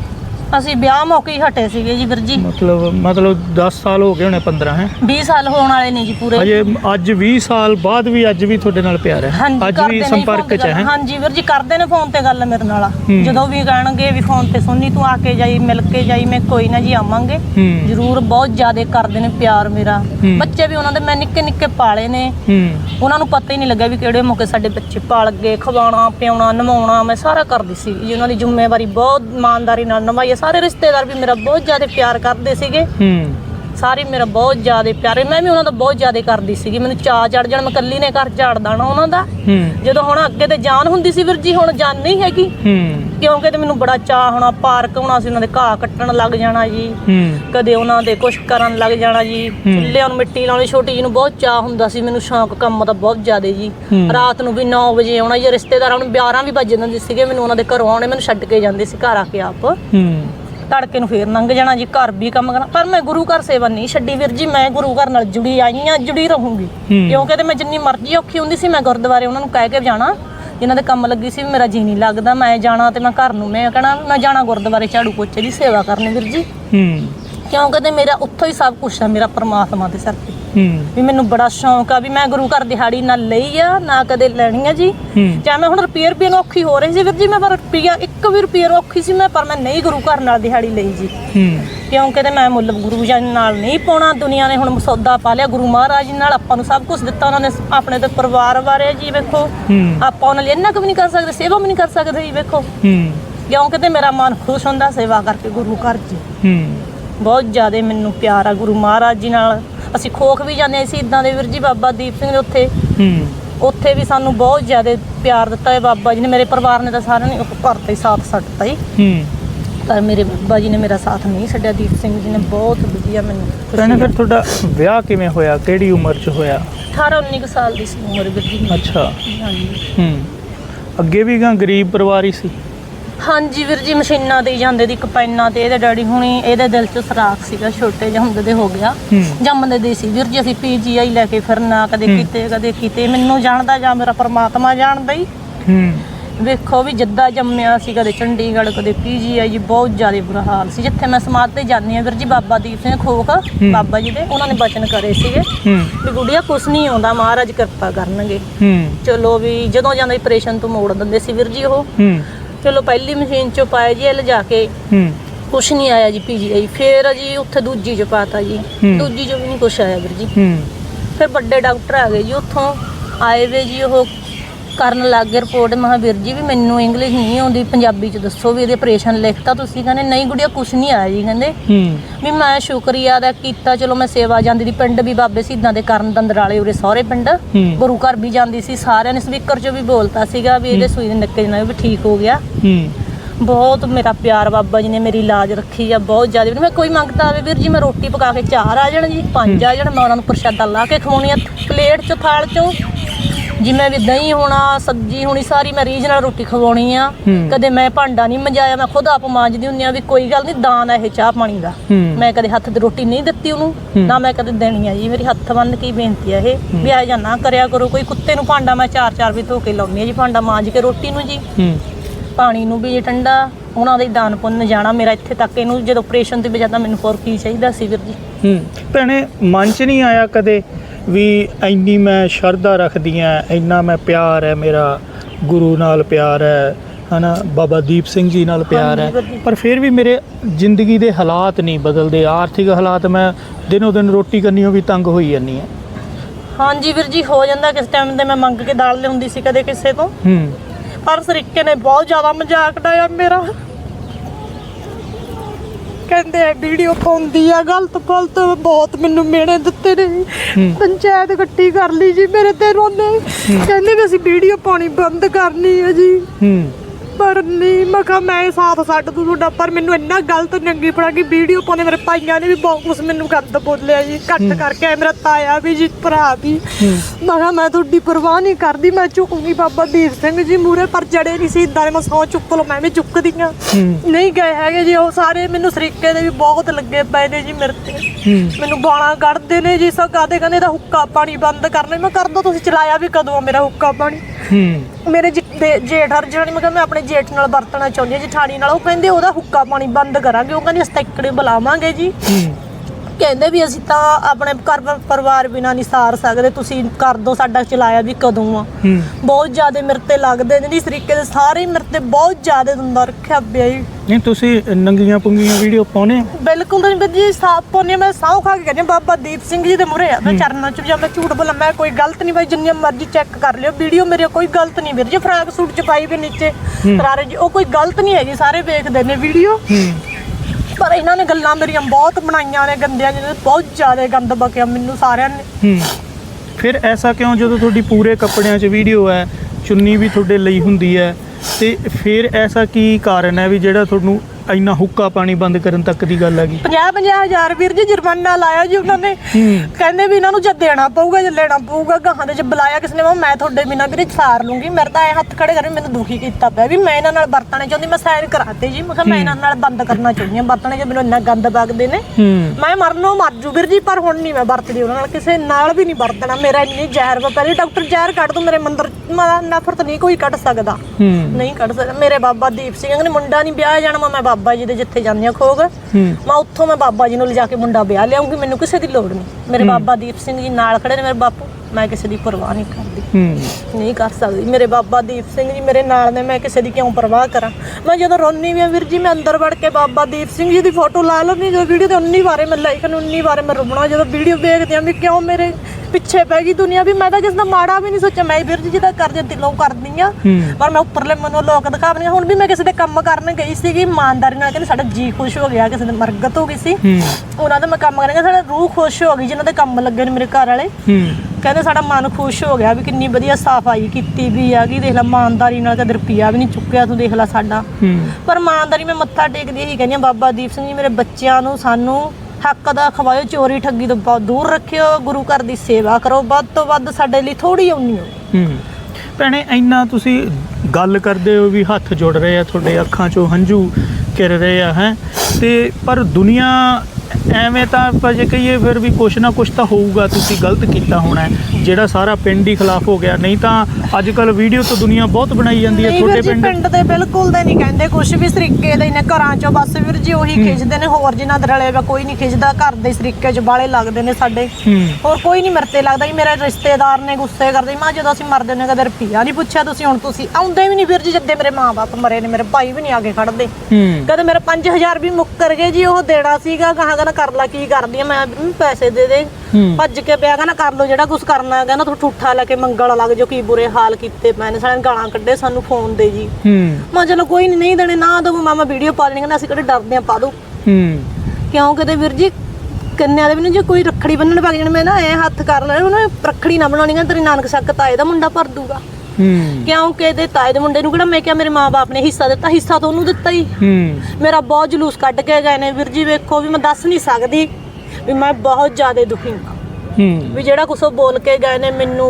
S2: ਅਸੀਂ ਵਿਆਹ ਮੌਕੇ ਹੀ ਹਟੇ ਸੀਗੇ ਜੀ ਵੀਰ ਜੀ।
S1: ਮਤਲਬ 10 ਸਾਲ ਹੋ ਗਏ ਹੋਣੇ, 15 ਹੈ
S2: 20 ਸਾਲ ਹੋਣ ਵਾਲੇ ਨੇ ਜੀ ਪੂਰੇ।
S1: ਅਜੇ ਅੱਜ 20 ਸਾਲ ਬਾਅਦ ਵੀ ਅੱਜ ਵੀ ਤੁਹਾਡੇ ਨਾਲ ਪਿਆਰ ਹੈ?
S2: ਹਾਂਜੀ,
S1: ਅੱਜ ਵੀ ਸੰਪਰਕ 'ਚ ਹੈ?
S2: ਹਾਂਜੀ ਵੀਰ ਜੀ, ਕਰਦੇ ਨੇ ਫੋਨ ਤੇ ਗੱਲ ਮੇਰੇ ਨਾਲ। ਜਦੋਂ ਵੀ ਕਹਿਣਗੇ ਵੀ ਫੋਨ ਤੇ ਸੋਨੀ ਤੂੰ ਆ ਕੇ ਜਾਈ, ਮਿਲ ਕੇ ਜਾਈ, ਮੈਂ ਕੋਈ ਨਾ ਜੀ ਆਵਾਂਗੇ ਜ਼ਰੂਰ। ਬਹੁਤ ਜ਼ਿਆਦਾ ਕਰਦੇ ਨੇ ਪਿਆਰ ਮੇਰਾ। ਬੱਚੇ ਵੀ ਉਹਨਾਂ ਦੇ ਮੈਂ ਨਿੱਕੇ ਨਿੱਕੇ ਪਾਲੇ ਨੇ, ਉਹਨਾਂ ਨੂੰ ਪਤਾ ਹੀ ਨਹੀਂ ਲੱਗਾ ਵੀ ਕਿਹੜੇ ਮੌਕੇ ਸਾਡੇ ਬੱਚੇ ਪਾਲ ਗਏ। ਖਵਾਉਣਾ ਪਿਆਉਣਾ ਨਵਾਉਣਾ ਮੈਂ ਸਾਰਾ ਕਰਦੀ ਸੀ ਜੀ। ਉਹਨਾਂ ਦੀ ਜ਼ਿੰਮੇਵਾਰੀ ਬਹੁਤ ਇਮਾਨਦਾਰੀ ਨਾਲ ਨਿਭਾਈ। ਸਾਰੇ ਰਿਸ਼ਤੇਦਾਰ ਵੀ ਮੇਰਾ ਬਹੁਤ ਜ਼ਿਆਦਾ ਪਿਆਰ ਕਰਦੇ ਸੀਗੇ। ਸਾਰੇ ਮੇਰਾ ਬਹੁਤ ਜ਼ਿਆਦਾ ਪਿਆਰੇ, ਮੈਂ ਵੀ ਉਹਨਾਂ ਦਾ ਬਹੁਤ ਜ਼ਿਆਦਾ ਕਰਦੀ ਸੀਗੀ। ਮੈਨੂੰ ਚਾਅ ਚੜ ਜਾਣਾ, ਮੈਂ ਇਕੱਲੀ ਨੇ ਘਰ ਝਾੜ ਦੇਣਾ ਉਹਨਾਂ ਦਾ। ਜਦੋਂ ਹੁਣ ਅੱਗੇ ਤੇ ਜਾਨ ਹੁੰਦੀ ਸੀ ਵੀਰ ਜੀ, ਹੁਣ ਜਾਨ ਨਹੀਂ ਹੈਗੀ। ਕਿਉਂਕਿ ਤੇ ਮੈਨੂੰ ਬੜਾ ਚਾਅ ਹੋਣਾ, ਪਾਰਕ ਹੋਣਾ ਸੀ, ਉਹਨਾਂ ਦੇ ਘਾਹ ਕੱਟਣ ਲੱਗ ਜਾਣਾ ਜੀ, ਕਦੇ ਉਹਨਾਂ ਦੇ ਕੁਛ ਕਰਨ ਲੱਗ ਜਾਣਾ ਜੀ, ਚੁੱਲ੍ਹਿਆਂ ਨੂੰ ਮਿੱਟੀ ਲਾਉਣੀ। ਛੋਟੀ ਜੀ ਨੂੰ ਬਹੁਤ ਚਾਅ ਹੁੰਦਾ ਸੀ, ਮੈਨੂੰ ਸ਼ੌਂਕ ਕੰਮ ਦਾ ਬਹੁਤ ਜ਼ਿਆਦਾ ਜੀ। ਰਾਤ ਨੂੰ ਵੀ 9 ਵਜੇ ਆਉਣਾ ਜੀ। ਰਿਸ਼ਤੇਦਾਰਾਂ ਨੂੰ 12 ਵੀ ਵੱਜ ਜਾਂਦੇ ਸੀਗੇ ਮੈਨੂੰ ਉਹਨਾਂ ਦੇ ਘਰੋਂ ਆਉਣੇ, ਮੈਨੂੰ ਛੱਡ ਕੇ ਜਾਂਦੇ ਸੀ ਘਰ ਆ ਕੇ ਆਪ। ਤੜਕੇ ਨੂੰ ਫੇਰ ਲੰਘ ਜਾਣਾ ਜੀ, ਘਰ ਵੀ ਕੰਮ ਕਰਨਾ। ਪਰ ਮੈਂ ਗੁਰੂ ਘਰ ਸੇਵਾ ਨਹੀਂ ਛੱਡੀ ਵੀਰ ਜੀ। ਮੈਂ ਗੁਰੂ ਘਰ ਨਾਲ ਜੁੜੀ ਆਈ ਹਾਂ, ਜੁੜੀ ਰਹੂੰਗੀ। ਕਿਉਂਕਿ ਤੇ ਮੈਂ ਜਿੰਨੀ ਮਰਜ਼ੀ ਔਖੀ ਹੁੰਦੀ ਸੀ, ਮੈਂ ਗੁਰਦੁਆਰੇ ਉਹਨਾਂ ਨੂੰ ਕਹਿ ਕੇ ਜਾਣਾ, ਜਿਨ੍ਹਾਂ ਦੇ ਕੰਮ ਲੱਗੀ ਸੀ ਮੇਰਾ ਜੀ ਨਹੀਂ ਲੱਗਦਾ, ਮੈਂ ਜਾਣਾ। ਤੇ ਮੈਂ ਘਰ ਨੂੰ ਮੈਂ ਕਹਿਣਾ ਮੈਂ ਜਾਣਾ ਗੁਰਦੁਆਰੇ ਝਾੜੂ ਪੋਚੇ ਦੀ ਸੇਵਾ ਕਰਨੀ ਵੀਰ ਜੀ। ਕਿਉਂਕਿ ਤੇ ਮੇਰਾ ਉੱਥੋਂ ਹੀ ਸਭ ਕੁਛ ਆ, ਮੇਰਾ ਪਰਮਾਤਮਾ ਦੇ ਸਿਰ ਤੇ। ਵੀ ਮੈਨੂੰ ਬੜਾ ਸ਼ੌਂਕ ਆ ਵੀ ਮੈਂ ਗੁਰੂ ਘਰ ਦਿਹਾੜੀ ਨਾ ਲਈ ਆ, ਨਾ ਕਦੇ ਲੈਣੀ ਆ ਜੀ। ਚਾਹੇ ਮੈਂ ਹੁਣ ਰੁਪਈਏ ਨੂੰ ਔਖੀ ਹੋ ਰਹੀ ਸੀ ਵੀਰ ਜੀ, ਮੈਂ ਪਰ ਰੁਪਈਆ 1 ਵੀ ਰੁਪਈਏ ਨੂੰ ਔਖੀ ਸੀ ਮੈਂ, ਪਰ ਮੈਂ ਨਹੀਂ ਗੁਰੂ ਘਰ ਨਾਲ ਦਿਹਾੜੀ ਲਈ ਜੀ। ਕਿਉਂਕਿ ਤੇ ਮੈਂ ਮੁੱਲ ਗੁਰੂ ਜੀ ਨਾਲ ਨਹੀਂ ਪਾਉਣਾ। ਦੁਨੀਆ ਨੇ ਹੁਣ ਸੌਦਾ ਪਾ ਲਿਆ ਗੁਰੂ ਮਹਾਰਾਜ ਨਾਲ। ਆਪਾਂ ਨੂੰ ਸਭ ਕੁਝ ਦਿੱਤਾ ਉਹਨਾਂ ਨੇ, ਆਪਣੇ ਤੇ ਪਰਿਵਾਰ ਬਾਰੇ ਜੀ ਵੇਖੋ। ਆਪਾਂ ਉਹਨਾਂ ਲਈ ਇੰਨਾ ਕੁ ਵੀ ਨਹੀਂ ਕਰ ਸਕਦੇ, ਸੇਵਾ ਵੀ ਨਹੀਂ ਕਰ ਸਕਦੇ ਜੀ ਵੇਖੋ। ਕਿਉਂਕਿ ਤੇ ਮੇਰਾ ਮਨ ਖੁਸ਼ ਹੁੰਦਾ ਸੇਵਾ ਕਰਕੇ ਗੁਰੂ ਘਰ 'ਚ। ਬਹੁਤ ਜ਼ਿਆਦਾ ਮੈਨੂੰ ਪਿਆਰ ਆ ਗੁਰੂ ਮਹਾਰਾਜ ਜੀ ਨਾਲ। ਅਸੀਂ ਖੋਖ ਵੀ ਜਾਂਦੇ ਸੀ ਇੱਦਾਂ ਦੇ ਵੀਰ ਜੀ, ਬਾਬਾ ਦੀਪ ਸਿੰਘ ਦੇ ਉੱਥੇ ਵੀ ਸਾਨੂੰ ਬਹੁਤ ਜ਼ਿਆਦਾ ਪਿਆਰ ਦਿੱਤਾ ਹੈ ਬਾਬਾ ਜੀ ਨੇ। ਮੇਰੇ ਪਰਿਵਾਰ ਨੇ ਤਾਂ ਸਾਰਿਆਂ ਨੇ ਘਰ ਤੇ ਸਾਥ ਛੱਡਤਾ ਹੀ, ਪਰ ਮੇਰੇ ਬਾਬਾ ਜੀ ਨੇ ਮੇਰਾ ਸਾਥ ਨਹੀਂ ਛੱਡਿਆ। ਦੀਪ ਸਿੰਘ ਜੀ ਨੇ ਬਹੁਤ ਵਧੀਆ ਮੈਨੂੰ।
S1: ਫਿਰ ਤੁਹਾਡਾ ਵਿਆਹ ਕਿਵੇਂ ਹੋਇਆ, ਕਿਹੜੀ ਉਮਰ 'ਚ ਹੋਇਆ?
S2: 18-19 ਸਾਲ ਦੀ ਸੀ ਉਮਰ ਵੀਰ ਜੀ।
S1: ਅੱਛਾ। ਅੱਗੇ ਵੀ ਗਰੀਬ ਪਰਿਵਾਰ ਹੀ ਸੀ?
S2: ਹਾਂਜੀ ਵੀਰ ਜੀ, ਮਸ਼ੀਨਾਂ ਤੇ ਜਾਂਦੇ ਦੀ, ਕਪੈਨਾਂ ਤੇ। ਇਹਦੇ ਡੈਡੀ ਹੁਣੀ, ਇਹਦੇ ਦਿਲ 'ਚ ਸਰਾਖ ਸੀਗਾ, ਛੋਟੇ ਜਿਹੇ ਹੁੰਦੇ ਦੇ ਹੋ ਗਿਆ। ਜੰਮਦੇ ਦੇ ਸੀ ਵੀਰ ਜੀ। ਅਸੀਂ PGI ਲੈ ਕੇ ਫਿਰਨਾ, ਕਦੇ ਕਿਤੇ ਕਦੇ ਕਿਤੇ। ਮੈਨੂੰ ਜਾਣਦਾ ਜਾਂ ਮੇਰਾ ਪਰਮਾਤਮਾ ਜਾਣਦਾ ਹੀ। ਵੇਖੋ ਵੀ ਜਿੱਦਾਂ ਜੰਮਿਆ ਸੀ, ਕਦੇ ਚੰਡੀਗੜ੍ਹ, ਕਦੇ PGI ਜੀ। ਬਹੁਤ ਜ਼ਿਆਦਾ ਬੁਰਾ ਹਾਲ ਸੀ। ਜਿੱਥੇ ਮੈਂ ਸਮਾਧ ਤੇ ਜਾਂਦੀ ਹਾਂ ਵੀਰ ਜੀ, ਬਾਬਾ ਦੀਪ ਸਿੰਘ ਖੋਖ ਬਾਬਾ ਜੀ ਦੇ, ਉਹਨਾਂ ਨੇ ਬਚਨ ਕਰੇ ਸੀਗੇ ਵੀ ਗੁੜੀਆ ਕੁਛ ਨਹੀਂ ਆਉਂਦਾ, ਮਹਾਰਾਜ ਕਿਰਪਾ ਕਰਨਗੇ। ਚਲੋ ਵੀ ਜਦੋਂ ਜਾਂਦਾ ਆਪਰੇਸ਼ਨ ਤੋਂ ਮੋੜ ਦਿੰਦੇ ਸੀ ਵੀਰ ਜੀ ਉਹ। ਚਲੋ ਪਹਿਲੀ ਮਸ਼ੀਨ 'ਚੋਂ ਪਾਇਆ ਜੀ ਇਹ ਲਿਜਾ ਕੇ, ਕੁਛ ਨਹੀਂ ਆਇਆ ਜੀ PGI। ਫਿਰ ਜੀ ਉੱਥੇ ਦੂਜੀ 'ਚ ਪਾਤਾ ਜੀ, ਦੂਜੀ 'ਚੋਂ ਵੀ ਨਹੀਂ ਕੁਛ ਆਇਆ ਵੀਰ ਜੀ। ਫਿਰ ਵੱਡੇ ਡਾਕਟਰ ਆ ਗਏ ਜੀ, ਉੱਥੋਂ ਆਏ ਵੇ ਜੀ, ਉਹ ਕਰਨ ਲੱਗ ਗਏ ਰਿਪੋਰਟ। ਮੈਂ ਵੀਰ ਜੀ ਵੀ ਮੈਨੂੰ ਇੰਗਲਿਸ਼ ਨਹੀਂ ਆਉਂਦੀ, ਪੰਜਾਬੀ 'ਚ ਦੱਸੋ ਵੀ ਇਹਦੇ ਆਪਰੇਸ਼ਨ ਲਿਖਤਾ ਤੁਸੀਂ? ਕਹਿੰਦੇ ਨਹੀਂ ਗੁੜੀਆ ਕੁਛ ਨਹੀਂ ਆਇਆ ਜੀ। ਕਹਿੰਦੇ ਵੀ ਮੈਂ ਸ਼ੁਕਰੀਆ ਅਦਾ ਕੀਤਾ। ਚਲੋ ਮੈਂ ਸੇਵਾ ਜਾਂਦੀ ਦੀ, ਪਿੰਡ ਵੀ ਬਾਬੇ ਸ਼ਹੀਦਾਂ ਦੇ ਕਰਨ ਦੰਦਰਾਲੇ ਉਰੇ ਸਹੁਰੇ ਪਿੰਡ, ਗੁਰੂ ਘਰ ਵੀ ਜਾਂਦੀ ਸੀ। ਸਾਰਿਆਂ ਨੇ ਸਪੀਕਰ 'ਚ ਵੀ ਬੋਲਤਾ ਸੀਗਾ ਵੀ ਇਹਦੇ ਸੂਈ ਦੇ ਨੱਕੇ ਨਾਲ ਵੀ ਠੀਕ ਹੋ ਗਿਆ। ਬਹੁਤ ਮੇਰਾ ਪਿਆਰ ਬਾਬਾ ਜੀ ਨੇ ਮੇਰੀ ਲਾਜ ਰੱਖੀ ਆ ਬਹੁਤ ਜ਼ਿਆਦਾ। ਮੈਂ ਕੋਈ ਮੰਗਤਾ ਆਵੇ ਵੀਰ ਜੀ, ਮੈਂ ਰੋਟੀ ਪਕਾ ਕੇ 4 ਆ ਜਾਣ ਜੀ, 5 ਆ ਜਾਣ, ਮੈਂ ਉਹਨਾਂ ਨੂੰ ਪ੍ਰਸ਼ਾਦਾ ਲਾ ਕੇ ਖਵਾਉਣੀ ਆ ਪਲੇਟ 'ਚ, ਥਾਲ 'ਚੋਂ। ਜਿਵੇਂ ਵੀ ਦਹੀਂ ਹੋਣਾ, ਸਬਜ਼ੀ ਹੋਣੀ, ਸਾਰੀ ਮੈਂ ਰੀਝ ਨਾਲ ਰੋਟੀ ਖਵਾਉਣੀ ਆ। ਕਦੇ ਮੈਂ ਭਾਂਡਾ ਨਹੀਂ ਮੰਜਾਇਆ, ਮੈਂ ਖੁਦ ਆਪ ਮਾਂਜਦੀ ਹੁੰਦੀ ਆ ਵੀ ਕੋਈ ਗੱਲ ਨਹੀਂ, ਦਾਨ ਆ ਇਹ ਚਾਹ ਪਾਣੀ ਦਾ। ਮੈਂ ਕਦੇ ਹੱਥ ਤੇ ਰੋਟੀ ਨਹੀਂ ਦਿੱਤੀ ਉਹਨੂੰ, ਨਾ ਮੈਂ ਕਦੇ ਦੇਣੀ ਆ ਜੀ। ਮੇਰੀ ਹੱਥ ਬੰਨ ਕੇ ਬੇਨਤੀ ਆ ਇਹ ਵੀ ਆ ਜਾਂ ਨਾ ਕਰਿਆ ਕਰੋ। ਕੋਈ ਕੁੱਤੇ ਨੂੰ ਭਾਂਡਾ ਮੈਂ 4-4 ਵੀ ਧੋ ਕੇ ਲਾਉਣੀ ਆ ਜੀ, ਭਾਂਡਾ ਮਾਂਜ ਕੇ ਰੋਟੀ ਨੂੰ ਜੀ, ਪਾਣੀ ਨੂੰ ਵੀ ਠੰਡਾ। ਉਹਨਾਂ ਦੇ ਦਾਨ ਪੁੰਨ ਜਾਣਾ ਮੇਰਾ ਇੱਥੇ ਤੱਕ। ਇਹਨੂੰ ਜਦੋਂ ਆਪਰੇਸ਼ਨ ਤੇ ਵਜਾਦਾ ਮੈਨੂੰ ਹੋਰ ਕੀ ਚਾਹੀਦਾ ਸੀ ਵੀਰ ਜੀ।
S1: ਭੈਣੇ ਮਨ 'ਚ ਨਹੀਂ ਆਇਆ ਕਦੇ ਵੀ ਇੰਨੀ ਮੈਂ ਸ਼ਰਧਾ ਰੱਖਦੀ ਹਾਂ, ਇੰਨਾ ਮੈਂ ਪਿਆਰ ਹੈ ਮੇਰਾ ਗੁਰੂ ਨਾਲ, ਪਿਆਰ ਹੈ ਹਨਾ, ਬਾਬਾ ਦੀਪ ਸਿੰਘ ਜੀ ਨਾਲ ਪਿਆਰ ਹੈ, ਪਰ ਫਿਰ ਵੀ ਮੇਰੇ ਜ਼ਿੰਦਗੀ ਦੇ ਹਾਲਾਤ ਨਹੀਂ ਬਦਲਦੇ, ਆਰਥਿਕ ਹਾਲਾਤ, ਮੈਂ ਦਿਨੋਂ ਦਿਨ ਰੋਟੀ ਕਰਨੀਓ ਵੀ ਤੰਗ ਹੋਈ ਜਾਂਦੀ ਹਾਂ?
S2: ਹਾਂਜੀ ਵੀਰ ਜੀ, ਹੋ ਜਾਂਦਾ। ਕਿਸ ਟਾਈਮ ਤੇ ਮੈਂ ਮੰਗ ਕੇ ਦਾਲ ਲਿਆਉਂਦੀ ਸੀ ਕਦੇ ਕਿਸੇ ਤੋਂ, ਪਰ ਸਰੀਕੇ ਨੇ ਬਹੁਤ ਜ਼ਿਆਦਾ ਮਜ਼ਾਕ ਉਡਾਇਆ ਮੇਰਾ। ਕਹਿੰਦੇ ਵੀਡੀਓ ਪਾਉਂਦੀ ਆ ਗਲਤ ਗਲਤ, ਬਹੁਤ ਮੈਨੂੰ ਮਿਹਣੇ ਦਿੱਤੇ ਨੇ। ਪੰਚਾਇਤ ਇਕੱਠੀ ਕਰ ਲਈ ਜੀ ਮੇਰੇ ਤੇ ਰੋਨੇ, ਕਹਿੰਦੇ ਵੀ ਅਸੀਂ ਵੀਡੀਓ ਪਾਉਣੀ ਬੰਦ ਕਰਨੀ ਹੈ ਜੀ। ਪਰ ਨਹੀਂ, ਮੈਂ ਕਿਹਾ ਮੈਂ ਸਾਥ ਛੱਡ ਦੂੰ ਤੁਹਾਡਾ, ਪਰ ਮੈਨੂੰ ਇੰਨਾ ਗਲਤ ਨੰਗੀ ਪੜਾ ਕਿ ਵੀਡੀਓ ਪਾਉਂਦੇ। ਮੇਰੇ ਭਾਈਆਂ ਨੇ ਵੀ ਬਹੁਤ ਕੁਛ ਮੈਨੂੰ ਗੰਦ ਬੋਲਿਆ ਜੀ, ਕੱਟ ਕਰਕੇ। ਮੇਰਾ ਤਾਇਆ ਵੀ ਜੀ, ਭਰਾ ਵੀ। ਮੈਂ ਕਿਹਾ ਮੈਂ ਤੁਹਾਡੀ ਪਰਵਾਹ ਨਹੀਂ ਕਰਦੀ, ਮੈਂ ਝੁਕੂੰਗੀ ਬਾਬਾ ਦੀਪ ਸਿੰਘ ਜੀ ਮੂਹਰੇ। ਪਰ ਜੜੇ ਨਹੀਂ ਸੀ ਇੱਦਾਂ ਦੇ, ਮੈਂ ਸੌ ਚੁੱਕ ਲਓ, ਮੈਂ ਵੀ ਚੁੱਕਦੀ ਹਾਂ। ਨਹੀਂ ਗਏ ਹੈਗੇ ਜੀ ਉਹ ਸਾਰੇ। ਮੈਨੂੰ ਸਰੀਕੇ ਦੇ ਵੀ ਬਹੁਤ ਲੱਗੇ ਪਏ ਨੇ ਜੀ ਮੇਰੇ ਤੇ, ਮੈਨੂੰ ਗਾਲਾਂ ਕੱਢਦੇ ਨੇ ਜੀ। ਕਹਿੰਦੇ ਇਹਦਾ ਹੁੱਕਾ ਪਾਣੀ ਬੰਦ ਕਰਨਾ। ਮੈਂ ਕਰ ਦੋ, ਤੁਸੀਂ ਚਲਾਇਆ ਵੀ ਕਦੋਂ ਮੇਰਾ ਹੁੱਕਾ ਪਾਣੀ? ਮੇਰੇ ਜੇਠ ਹਰਜਣੀ ਮੈਂ ਕਿਹਾ ਮੈਂ ਆਪਣੇ ਜੇਠ ਨਾਲ ਵਰਤਣਾ ਚਾਹੁੰਦੀ ਹਾਂ ਜਠਾਣੀ ਨਾਲ। ਉਹ ਕਹਿੰਦੇ ਉਹਦਾ ਹੁੱਕਾ ਪਾਣੀ ਬੰਦ ਕਰਾਂਗੇ। ਉਹ ਕਹਿੰਦੇ ਅਸੀਂ ਤਾਂ ਇਕੜੇ ਬੁਲਾਵਾਂਗੇ ਜੀ। ਕਹਿੰਦੇ ਵੀ ਅਸੀਂ ਤਾਂ ਆਪਣੇ ਘਰ ਪਰਿਵਾਰ ਬਿਨਾਂ ਨਹੀਂ ਸਾਰ ਸਕਦੇ, ਤੁਸੀਂ ਕਰ ਦੋ। ਸਾਡਾ ਚਲਾਇਆ ਵੀ ਕਦੋਂ ਆ। ਬਹੁਤ ਜ਼ਿਆਦਾ ਮੇਰੇ ਤੇ ਲੱਗਦੇ ਨੇ ਜੀ, ਇਸ ਤਰੀਕੇ ਦੇ ਸਾਰੇ ਮੇਰੇ ਤੇ ਬਹੁਤ ਜ਼ਿਆਦਾ ਦੰਦਾ ਰੱਖਿਆ ਪਿਆ ਜੀ।
S1: ਨਹੀਂ ਤੁਸੀਂ ਨੰਗੀਆਂ ਪੁੰਗੀਆਂ ਵੀਡੀਓ ਪਾਉਨੇ?
S2: ਬਿਲਕੁਲ ਨਹੀਂ ਵੀਰ ਜੀ, ਸਾਫ ਪਾਉਣੀ। ਮੈਂ ਸਹੁੰ ਖਾ ਕੇ ਕਹਿੰਦੀ ਬਾਬਾ ਦੀਪ ਸਿੰਘ ਜੀ ਦੇ ਮੂਹਰੇ ਆ ਮੈਂ ਚਰਨਾਂ ਚ, ਜਾਂ ਮੈਂ ਝੂਠ ਬੋਲਾਂ ਮੈਂ ਕੋਈ ਗਲਤ ਨਹੀਂ ਬਾਈ। ਜਿੰਨੀਆਂ ਮਰਜ਼ੀ ਚੈੱਕ ਕਰ ਲਿਓ ਵੀਡੀਓ, ਮੇਰੇ ਕੋਈ ਗਲਤ ਨਹੀਂ ਵੀਰ ਜੀ। ਫਰਾਕ ਸੂਟ ਚ ਪਾਈ ਵੀ ਨੀਚੇ ਤਰਾਰੇ ਜੀ, ਉਹ ਕੋਈ ਗਲਤ ਨਹੀਂ ਹੈਗੀ, ਸਾਰੇ ਵੇਖਦੇ ਨੇ ਵੀਡੀਓ। ਪਰ ਇਹਨਾਂ ਨੇ ਗੱਲਾਂ ਮੇਰੀਆਂ ਬਹੁਤ ਬਣਾਈਆਂ ਨੇ ਗੰਦੀਆਂ, ਜਿਹਨਾਂ ਬਹੁਤ ਜ਼ਿਆਦਾ ਗੰਦ ਬਕਿਆ ਮੈਨੂੰ ਸਾਰਿਆਂ ਨੇ।
S1: ਫਿਰ ਐਸਾ ਕਿਉਂ ਜਦੋਂ ਤੁਹਾਡੀ ਪੂਰੇ ਕੱਪੜਿਆਂ 'ਚ ਵੀਡੀਓ ਹੈ, ਚੁੰਨੀ ਵੀ ਤੁਹਾਡੇ ਲਈ ਹੁੰਦੀ ਹੈ, ਤੇ ਫਿਰ ਐਸਾ ਕੀ ਕਾਰਨ ਹੈ ਵੀ ਜਿਹੜਾ ਤੁਹਾਨੂੰ ਇੰਨਾ ਹੁੱਕਾ ਪਾਣੀ ਬੰਦ ਕਰਨ ਤੱਕ ਦੀ ਗੱਲ ਹੈਗੀ?
S2: 50 ਹਜ਼ਾਰ ਵੀਰ ਜੀ ਜੁਰਮਾਨਾ ਲਾਇਆ ਜੀ ਉਹਨਾਂ ਨੇ। ਕਹਿੰਦੇ ਵੀ ਇਹਨਾਂ ਨੂੰ ਜਦ ਦੇਣਾ ਪਊਗਾ ਜਾਂ ਲੈਣਾ ਪਊਗਾ ਗਾਹਾਂ ਦੇ। ਜੇ ਬੁਲਾਇਆ ਕਿਸੇ ਨੇ ਮੈਂ ਤੁਹਾਡੇ ਬਿਨਾਂ ਵੀਰੇ ਸਾਰ ਲੂੰਗੀ। ਮੇਰੇ ਤਾਂ ਹੱਥ ਖੜੇ ਕਰੇ ਮੈਨੂੰ ਦੁਖੀ ਕੀਤਾ ਪਿਆ ਵੀ ਮੈਂ ਇਹਨਾਂ ਨਾਲ ਵਰਤਣਾ ਚਾਹੁੰਦੀ। ਮੈਂ ਸਾਈਨ ਕਰਾਤੇ ਜੀ, ਮੈਂ ਕਿਹਾ ਮੈਂ ਇਹਨਾਂ ਨਾਲ ਬੰਦ ਕਰਨਾ ਚਾਹੁੰਦੀ ਹਾਂ ਵਰਤਣੇ। ਜੇ ਮੈਨੂੰ ਇੰਨਾ ਗੰਦ ਬਕਦੇ ਨੇ ਮੈਂ ਮਰਨੋਂ ਮਰ ਜੂ ਵੀਰ ਜੀ, ਪਰ ਹੁਣ ਨਹੀਂ ਮੈਂ ਵਰਤਦੀ ਉਹਨਾਂ ਨਾਲ, ਕਿਸੇ ਨਾਲ ਵੀ ਨਹੀਂ ਵਰਤਣਾ। ਮੇਰਾ ਇੰਨੀ ਜ਼ਹਿਰ ਵਾ, ਪਹਿਲੇ ਡਾਕਟਰ ਜ਼ਹਿਰ ਕੱਢ ਦੂੰ, ਮੇਰੇ ਮੰਦਰ ਨਫ਼ਰਤ ਨਹੀਂ ਕੋਈ ਕੱਢ ਸਕਦਾ, ਨਹੀਂ ਕੱਢ ਸਕਦਾ। ਮੇਰੇ ਬਾਬਾ ਦੀਪ ਸਿੰਘ ਨੇ ਮੁੰਡਾ ਨਹੀਂ ਵਿਆਹ ਜਾਣਾ, ਮੈਂ ਬਾਬਾ ਜੀ ਦੇ ਜਿੱਥੇ ਜਾਂਦੀ ਖੋਗ ਮੈਂ ਉੱਥੋਂ ਮੈਂ ਬਾਬਾ ਜੀ ਨੂੰ ਲਿਜਾ ਕੇ ਮੁੰਡਾ ਵਿਆਹ ਲਿਆਉਂਗੀ। ਮੈਨੂੰ ਕਿਸੇ ਦੀ ਲੋੜ ਨਹੀਂ। ਮੇਰੇ ਬਾਬਾ ਦੀਪ ਸਿੰਘ ਜੀ ਨਾਲ ਖੜੇ ਨੇ, ਮੇਰੇ ਬਾਪੂ। ਮੈਂ ਕਿਸੇ ਦੀ ਪਰਵਾਹ ਨਹੀਂ ਕਰਦੀ, ਨਹੀਂ ਕਰ ਸਕਦੀ। ਮੇਰੇ ਬਾਬਾ ਦੀਪ ਸਿੰਘ ਜੀ ਮੇਰੇ ਨਾਲ ਨੇ, ਮੈਂ ਕਿਸੇ ਦੀ ਕਿਉਂ ਪਰਵਾਹ ਕਰਾਂ। ਮੈਂ ਜਦੋਂ ਰੋਨੀ ਵੀ ਵੀਰ ਜੀ, ਮੈਂ ਅੰਦਰ ਵੜ ਕੇ ਬਾਬਾ ਦੀਪ ਸਿੰਘ ਜੀ ਦੀ ਫੋਟੋ ਲਾ ਲੈਂਦੀ। ਜਦੋਂ ਵੀਡੀਓ ਤੇ 19 ਵਾਰੇ ਮੈਂ ਲਾਈਕ ਨੂੰ 19 ਵਾਰੇ ਮੈਂ ਰੁਣਾ। ਜਦੋਂ ਵੀਡੀਓ ਵੇਖਦੀ ਆ ਵੀ ਕਿਉਂ ਮੇਰੇ ਪਿੱਛੇ ਪੈ ਗਈ ਦੁਨੀਆ, ਵੀ ਮੈਂ ਤਾਂ ਕਿਸੇ ਦਾ ਮਾੜਾ ਵੀ ਨਹੀਂ ਸੋਚਿਆ। ਮੈਂ ਵੀਰ ਜੀ ਜਿਹਦਾ ਕਰਦੇ ਦਿਲੋਂ ਕਰਦੀ ਆ, ਪਰ ਮੈਂ ਉੱਪਰਲੇ ਮਨੋਂ ਲੋਕ ਦਿਖਾਵਣੀ। ਹੁਣ ਵੀ ਮੈਂ ਕਿਸੇ ਦੇ ਕੰਮ ਕਰਨ ਗਈ ਸੀਗੀ ਇਮਾਨਦਾਰੀ ਨਾਲ, ਕਹਿੰਦੇ ਸਾਡਾ ਜੀ ਖੁਸ਼ ਹੋ ਗਿਆ। ਕਿਸੇ ਦੇ ਮਰਗਤ ਹੋ ਗਈ ਸੀ, ਉਹਨਾਂ ਦਾ ਮੈਂ ਕੰਮ ਕਰਾਂਗਾ, ਸਾਡਾ ਰੂਹ ਖੁਸ਼ ਹੋ ਗਈ। ਜਿਨ੍ਹਾਂ ਦੇ ਕੰਮ ਲੱਗੇ ਨੇ ਮੇਰੇ ਘਰ ਵਾਲੇ ਕਹਿੰਦੇ ਸਾਡਾ ਮਨ ਖੁਸ਼ ਹੋ ਗਿਆ ਵੀ ਕਿੰਨੀ ਵਧੀਆ ਸਫਾਈ ਕੀਤੀ ਵੀ ਆ ਗਈ। ਦੇਖ ਲੈ ਇਮਾਨਦਾਰੀ ਨਾਲ, ਕਦੇ ਰੁਪਈਆ ਵੀ ਨਹੀਂ ਚੁੱਕਿਆ ਤੂੰ, ਦੇਖ ਲੈ ਸਾਡਾ। ਪਰ ਇਮਾਨਦਾਰੀ ਮੈਂ ਮੱਥਾ ਟੇਕਦੀ ਇਹੀ ਕਹਿੰਦੀ ਬਾਬਾ ਦੀਪ ਸਿੰਘ ਜੀ ਮੇਰੇ ਬੱਚਿਆਂ ਨੂੰ ਸਾਨੂੰ ਹੱਕ ਦਾ ਖਵਾਇਓ, ਚੋਰੀ ਠੱਗੀ ਤੋਂ ਬਹੁਤ ਦੂਰ ਰੱਖਿਓ, ਗੁਰੂ ਘਰ ਦੀ ਸੇਵਾ ਕਰੋ, ਵੱਧ ਤੋਂ ਵੱਧ ਸਾਡੇ ਲਈ ਥੋੜੀ ਆਉਣੀ ਹੋ।
S1: ਭੈਣੇ ਇੰਨਾ ਤੁਸੀਂ ਗੱਲ ਕਰਦੇ ਹੋ ਵੀ ਹੱਥ ਜੁੜ ਰਹੇ ਆ, ਤੁਹਾਡੇ ਅੱਖਾਂ 'ਚੋਂ ਹੰਝੂ ਕਿਰ ਰਹੇ ਆ ਹੈ, ਤੇ ਪਰ ਦੁਨੀਆ ਐਵੇਂ ਤਾਂ ਆਪਾਂ ਜੇ ਕਹੀਏ ਫਿਰ ਵੀ ਕੁਛ ਨਾ ਕੁਛ ਤਾਂ ਹੋਊਗਾ, ਤੁਸੀਂ ਗਲਤ ਕੀਤਾ ਹੋਣਾ ਜਿਹੜਾ ਸਾਰਾ ਪਿੰਡ ਹੀ ਖਿਲਾਫ ਹੋ ਗਿਆ। ਨਹੀਂ ਤਾਂ ਅੱਜ ਕੱਲ ਵੀਡੀਓ ਤੋਂ ਦੁਨੀਆ ਬਹੁਤ ਬਣਾਈ ਜਾਂਦੀ ਹੈ। ਤੁਹਾਡੇ
S2: ਪਿੰਡ ਦੇ ਬਿਲਕੁਲ ਦੇ ਨਹੀਂ ਕਹਿੰਦੇ ਕੁਛ ਵੀ, ਸਰੀਕੇ ਦੇ ਨੇ ਘਰਾਂ ਚੋਂ ਬਸ ਵੀਰ ਜੀ ਉਹੀ ਖਿੱਚਦੇ ਨੇ, ਹੋਰ ਜਿਨ੍ਹਾਂ ਦੇ ਰਲੇ ਵਾ ਕੋਈ ਨਹੀਂ ਖਿੱਚਦਾ। ਘਰ ਦੇ ਸਰੀਕੇ 'ਚ ਬਾਲੇ ਲੱਗਦੇ ਨੇ ਸਾਡੇ, ਹੋਰ ਕੋਈ ਨਹੀਂ ਮੇਰੇ ਤੇ ਲੱਗਦਾ। ਮੇਰੇ ਰਿਸ਼ਤੇਦਾਰ ਨੇ ਗੁੱਸੇ ਕਰਦੇ, ਮੈਂ ਜਦੋਂ ਅਸੀਂ ਮਰਦੇ ਨੇ ਕਦੇ ਰੁਪਈਆ ਨਹੀਂ ਪੁੱਛਿਆ ਤੁਸੀਂ, ਹੁਣ ਤੁਸੀਂ ਆਉਂਦੇ ਵੀ ਨਹੀਂ ਵੀਰ ਜੀ। ਜਦ ਮੇਰੇ ਮਾਂ-ਬਾਪ ਮਰੇ ਨੇ ਮੇਰੇ ਭਾਈ ਵੀ ਨਹੀਂ ਆ ਕੇ ਖੜਦੇ। ਕਦੇ ਮੇਰੇ 5000 ਵੀ ਮੁੱਕਰ ਗਏ ਜੀ, ਉਹ ਦੇਣਾ ਸੀਗਾ ਕਹਾਂ ਕਹਿੰਦਾ ਕਰ ਲਾ ਕੀ ਕਰਦੀ ਆ, ਮੈਂ ਪੈਸੇ ਦੇ ਦੇ ਭੱਜ ਕੇ ਪਿਆ, ਕਹਿੰਦਾ ਕਰ ਲੋ ਜਿਹੜਾ ਕੁਛ ਕਰਨਾ, ਕਹਿੰਦਾ ਤੂੰ ਠੂਠਾ ਲੈ ਕੇ ਮੰਗਣ ਲੱਗ ਜੋ, ਕੀ ਬੁਰੇ ਹਾਲ ਕੀਤੇ ਪਏ ਨੇ, ਸਾਰਿਆਂ ਗਾਲਾਂ ਕੱਢੇ ਸਾਨੂੰ ਫੋਨ ਦੇ ਜੀ। ਮੈਂ ਚਲੋ ਕੋਈ ਨਹੀਂ ਦੇਣੇ ਨਾ ਦੋ, ਮਾਮਾ ਵੀਡੀਓ ਪਾ ਦੇਣੀ, ਕਹਿੰਦਾ ਅਸੀਂ ਕਿਹੜੇ ਡਰਦੇ ਆ, ਪਾ ਦੋ। ਕਿਉਂ ਕਿਤੇ ਵੀਰ ਜੀ ਕੰਨਿਆਂ ਦੇ ਵੀ ਨਹੀਂ, ਜੇ ਕੋਈ ਰੱਖੜੀ ਬੰਨਣ ਵਗ ਜਾਣ ਮੈਂ ਨਾ ਇਹ ਹੱਥ ਕਰ ਲੈ ਉਹਨੇ ਰੱਖੜੀ ਨਾ ਬਣਾਉਣੀ, ਤੇਰੇ ਨਾਨਕ ਸ਼ੱਕ ਤਾਏ ਦਾ ਮੁੰਡਾ ਭਰ ਦੂਗਾ। ਕਿਉਂਕਿ ਇਹਦੇ ਤਾਏ ਦੇ ਮੁੰਡੇ ਨੂੰ ਕਿਹੜਾ ਮੈਂ ਕਿਹਾ ਮੇਰੇ ਮਾਂ-ਬਾਪ ਨੇ ਹਿੱਸਾ ਦਿੱਤਾ, ਹਿੱਸਾ ਤਾਂ ਉਹਨੂੰ ਦਿੱਤਾ ਹੀ। ਮੇਰਾ ਬਹੁਤ ਜਲੂਸ ਕੱਢ ਕੇ ਗਏ ਨੇ ਵੀਰ ਜੀ, ਵੇਖੋ ਵੀ ਮੈਂ ਦੱਸ ਨਹੀਂ ਸਕਦੀ ਵੀ ਮੈਂ ਬਹੁਤ ਜ਼ਿਆਦਾ ਦੁਖੀ ਹਾਂ ਵੀ ਜਿਹੜਾ ਕੁਛ ਉਹ ਬੋਲ ਕੇ ਗਏ ਨੇ ਮੈਨੂੰ